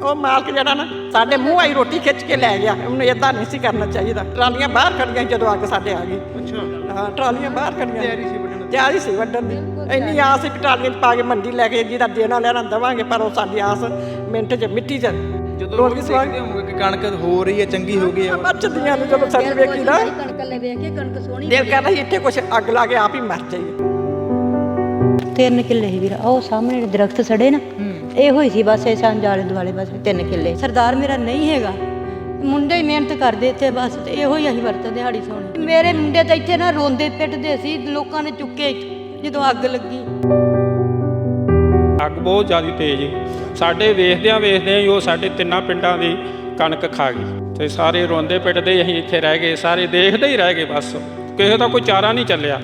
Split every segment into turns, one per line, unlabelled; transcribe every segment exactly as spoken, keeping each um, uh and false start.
ਉਹ ਮਾਲਕ ਜਿਹੜਾ ਨਾ ਸਾਡੇ ਮੂੰਹ ਆਈ ਰੋਟੀ ਖਿੱਚ ਕੇ ਲੈ ਗਿਆ। ਉਹਨੂੰ ਇਦਾਂ ਨਹੀਂ ਸੀ ਕਰਨਾ ਚਾਹੀਦਾ। ਟਰਾਲੀਆਂ ਬਾਹਰ ਖੜੀਆਂ ਜਦੋਂ ਅੱਗ ਸਾਡੇ ਆ ਗਈ। ਅੱਛਾ ਹਾਂ, ਟਰਾਲੀਆਂ ਬਾਹਰ ਖੜੀਆਂ, ਤਿਆਰੀ ਸੀ ਵੱਢਣ ਦੀ, ਤਿਆਰੀ ਸੀ ਵੱਢਣ ਦੀ। ਇੰਨੀ ਆਸ ਸੀ ਟਰਾਲੀਆਂ 'ਚ ਪਾ ਕੇ ਮੰਡੀ ਲੈ ਕੇ ਜਿਹਦਾ ਦੇਣਾ ਲੈਣਾ ਦੇਵਾਂਗੇ, ਪਰ ਉਹ ਸਾਡੀ ਆਸ ਮਿੰਟ 'ਚ ਮਿੱਟੀ 'ਚ
ਜਦੋਂ ਦੇਖਦੇ ਹੋਗੇ ਕਿ ਕਣਕ ਹੋ ਰਹੀ ਹੈ, ਚੰਗੀ ਹੋ ਗਈ ਹੈ,
ਮੱਚਦੀਆਂ ਨੇ ਜਦੋਂ ਸਾਡੀ ਵੇਖੀ ਨਾ
ਕਣਕ ਲੈ ਵੇਖ ਕੇ ਕਣਕ ਸੋਹਣੀ
ਦਿਲ ਕਰਦਾ ਸੀ ਇੱਥੇ ਕੁਛ ਅੱਗ ਲਾ ਕੇ ਆਪ ਹੀ ਮਰ ਜਾਈਏ।
ਤਿੰਨ ਕਿੱਲੇ ਸੀ ਵੀਰ, ਉਹ ਸਾਹਮਣੇ ਦਰਖਤ ਸੜੇ ਨਾ, ਇਹੋ ਹੀ ਸੀ ਬਸ। ਇਹ ਸਾਂਝ ਆਲੇ ਦੁਆਲੇ ਬਸ ਤਿੰਨ ਕਿੱਲੇ। ਸਰਦਾਰ ਮੇਰਾ ਨਹੀਂ ਹੈਗਾ, ਮੁੰਡੇ ਹੀ ਮਿਹਨਤ ਕਰਦੇ ਇੱਥੇ ਬਸ, ਤੇ ਇਹੋ ਹੀ ਅਸੀਂ ਵਰਤਦੇ ਦਿਹਾੜੀ ਸੋਣੀ। ਮੇਰੇ ਮੁੰਡੇ ਤਾਂ ਇੱਥੇ ਨਾ ਰੋਂਦੇ ਪਿੱਟਦੇ ਸੀ, ਲੋਕਾਂ ਨੇ ਚੁੱਕੇ ਜਦੋਂ ਅੱਗ ਲੱਗੀ।
ਅੱਗ ਬਹੁਤ ਜ਼ਿਆਦਾ ਤੇਜ਼ ਸੀ। ਸਾਡੇ ਵੇਖਦਿਆਂ ਵੇਖਦਿਆਂ ਹੀ ਉਹ ਸਾਡੇ ਤਿੰਨਾਂ ਪਿੰਡਾਂ ਦੀ ਕਣਕ ਖਾ ਗਈ ਤੇ ਸਾਰੇ ਰੋਂਦੇ ਪਿੱਟਦੇ ਅਸੀਂ ਇੱਥੇ ਰਹਿ ਗਏ, ਸਾਰੇ ਦੇਖਦੇ ਹੀ ਰਹਿ ਗਏ ਬਸ। ਕਿਸੇ ਦਾ ਕੋਈ ਚਾਰਾ ਨਹੀਂ ਚੱਲਿਆ।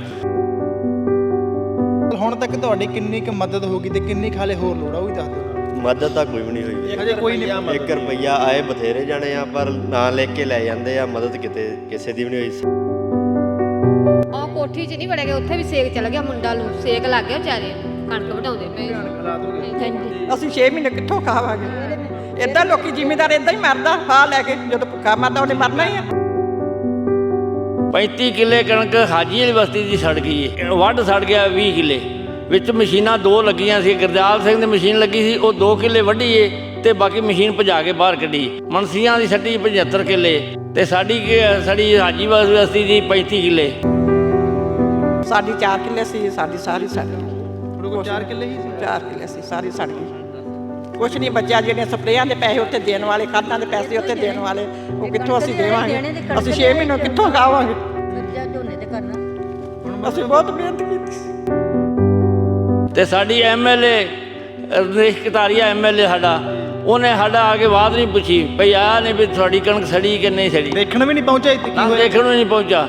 ਹੁਣ ਤੱਕ ਤੁਹਾਡੀ ਕਿੰਨੀ ਕੁ ਮਦਦ ਹੋ ਗਈ ਤੇ ਕਿੰਨੀ ਖਾਲੇ ਹੋਰ ਲੋੜ ਆ, ਉਹ ਵੀ ਦੱਸ ਦਿਓ।
ਮਦਦ ਤਾਂ ਕੋਈ ਵੀ ਨਹੀਂ ਹੋਈ।
ਅਜੇ ਕੋਈ ਨਹੀਂ।
ਇੱਕ ਰੁਪਈਆ ਆਏ ਬਥੇਰੇ ਜਾਣੇ ਆ, ਪਰ ਨਾਂ ਲਿਖ ਕੇ ਲੈ ਜਾਂਦੇ ਆ। ਮਦਦ ਕਿਤੇ ਕਿਸੇ ਦੀ ਵੀ ਨਹੀਂ ਹੋਈ।
ਉਹ ਕੋਠੀ 'ਚ ਨਹੀਂ ਵੜੇ ਗਏ, ਉੱਥੇ ਵੀ ਸੇਕ ਚੱਲ ਗਿਆ, ਮੁੰਡਾ ਨੂੰ ਸੇਕ ਲੱਗ ਗਿਆ ਵਿਚਾਰੇ, ਕਣਕ ਵਢਾਉਂਦੇ ਪਏ।
ਅਸੀਂ ਛੇ ਮਹੀਨੇ ਕਿੱਥੋਂ ਖਾਵਾਂਗੇ? ਏਦਾਂ ਲੋਕੀ ਜ਼ਿਮੀਂਦਾਰ ਏਦਾਂ ਹੀ ਮਰਦਾ ਫਾਹ ਲੈ ਕੇ। ਜਦੋਂ ਭੁੱਖਾ ਮਰਦਾ ਉਹਨੇ ਮਰਨਾ ਹੀ ਆ।
ਪੈਂਤੀ ਕਿੱਲੇ ਕਣਕ ਹਾਜੀ ਵਾਲੀ ਬਸਤੀ ਦੀ ਸੜ ਗਈ ਹੈ। ਵੱਢ ਸੜ ਗਿਆ ਵੀਹ ਕਿੱਲੇ, ਵਿੱਚ ਮਸ਼ੀਨਾਂ ਦੋ ਲੱਗੀਆਂ ਸੀ। ਗੁਰਦਿਆਲ ਸਿੰਘ ਦੀ ਮਸ਼ੀਨ ਲੱਗੀ ਸੀ, ਉਹ ਦੋ ਕਿੱਲੇ ਵੱਢੀ ਏ ਤੇ ਬਾਕੀ ਮਸ਼ੀਨ ਭਜਾ ਕੇ ਬਾਹਰ ਕੱਢੀ। ਮਨਸੀਆਂ ਦੀ ਸੱਟੀ ਪਝੱਤਰ ਕਿੱਲੇ ਤੇ ਸਾਡੀ ਸਾਡੀ ਹਾਜੀ ਬਸਤੀ ਦੀ ਪੈਂਤੀ ਕਿੱਲੇ।
ਸਾਡੀ ਚਾਰ ਕਿੱਲੇ ਸੀ, ਸਾਡੀ ਸਾਰੀ ਸੜ ਗਈ।
ਚਾਰ ਕਿੱਲੇ ਹੀ ਸੀ,
ਚਾਰ ਕਿੱਲੇ ਸੀ, ਸਾਰੀ ਸੜ ਗਈ। ਕੁਛ ਨਹੀਂ ਬਚਿਆ। ਜਿਹੜੀਆਂ ਸਪਰੇਆਂ ਦੇ ਪੈਸੇ ਉੱਥੇ ਦੇਣ ਵਾਲੇ, ਖਾਦਾਂ ਦੇ ਪੈਸੇ ਉੱਥੇ ਦੇਣ ਵਾਲੇ, ਉਹ ਕਿੱਥੋਂ ਅਸੀਂ ਦੇਵਾਂਗੇ? ਅਸੀਂ ਛੇ ਮਹੀਨੇ ਕਿੱਥੋਂ ਖਾਵਾਂਗੇ?
ਝੋਨੇ ਤੇ ਕਰਨਾ।
ਅਸੀਂ ਬਹੁਤ ਮਿਹਨਤ ਕੀਤੀ
ਤੇ ਸਾਡੀ M L A Ramesh Kataria M L A ਸਾਡਾ, ਉਹਨੇ ਸਾਡਾ ਆ ਕੇ ਬਾਤ ਨਹੀਂ ਪੁੱਛੀ ਭਈ ਆਹ ਨਹੀਂ ਵੀ ਤੁਹਾਡੀ ਕਣਕ ਸੜੀ ਕਿ ਨਹੀਂ ਸੜੀ।
ਦੇਖਣ ਵੀ ਨਹੀਂ ਪਹੁੰਚਿਆ ਇੱਥੇ, ਕੀ ਹੋਇਆ
ਦੇਖਣ ਨੂੰ ਨਹੀਂ ਪਹੁੰਚਾ।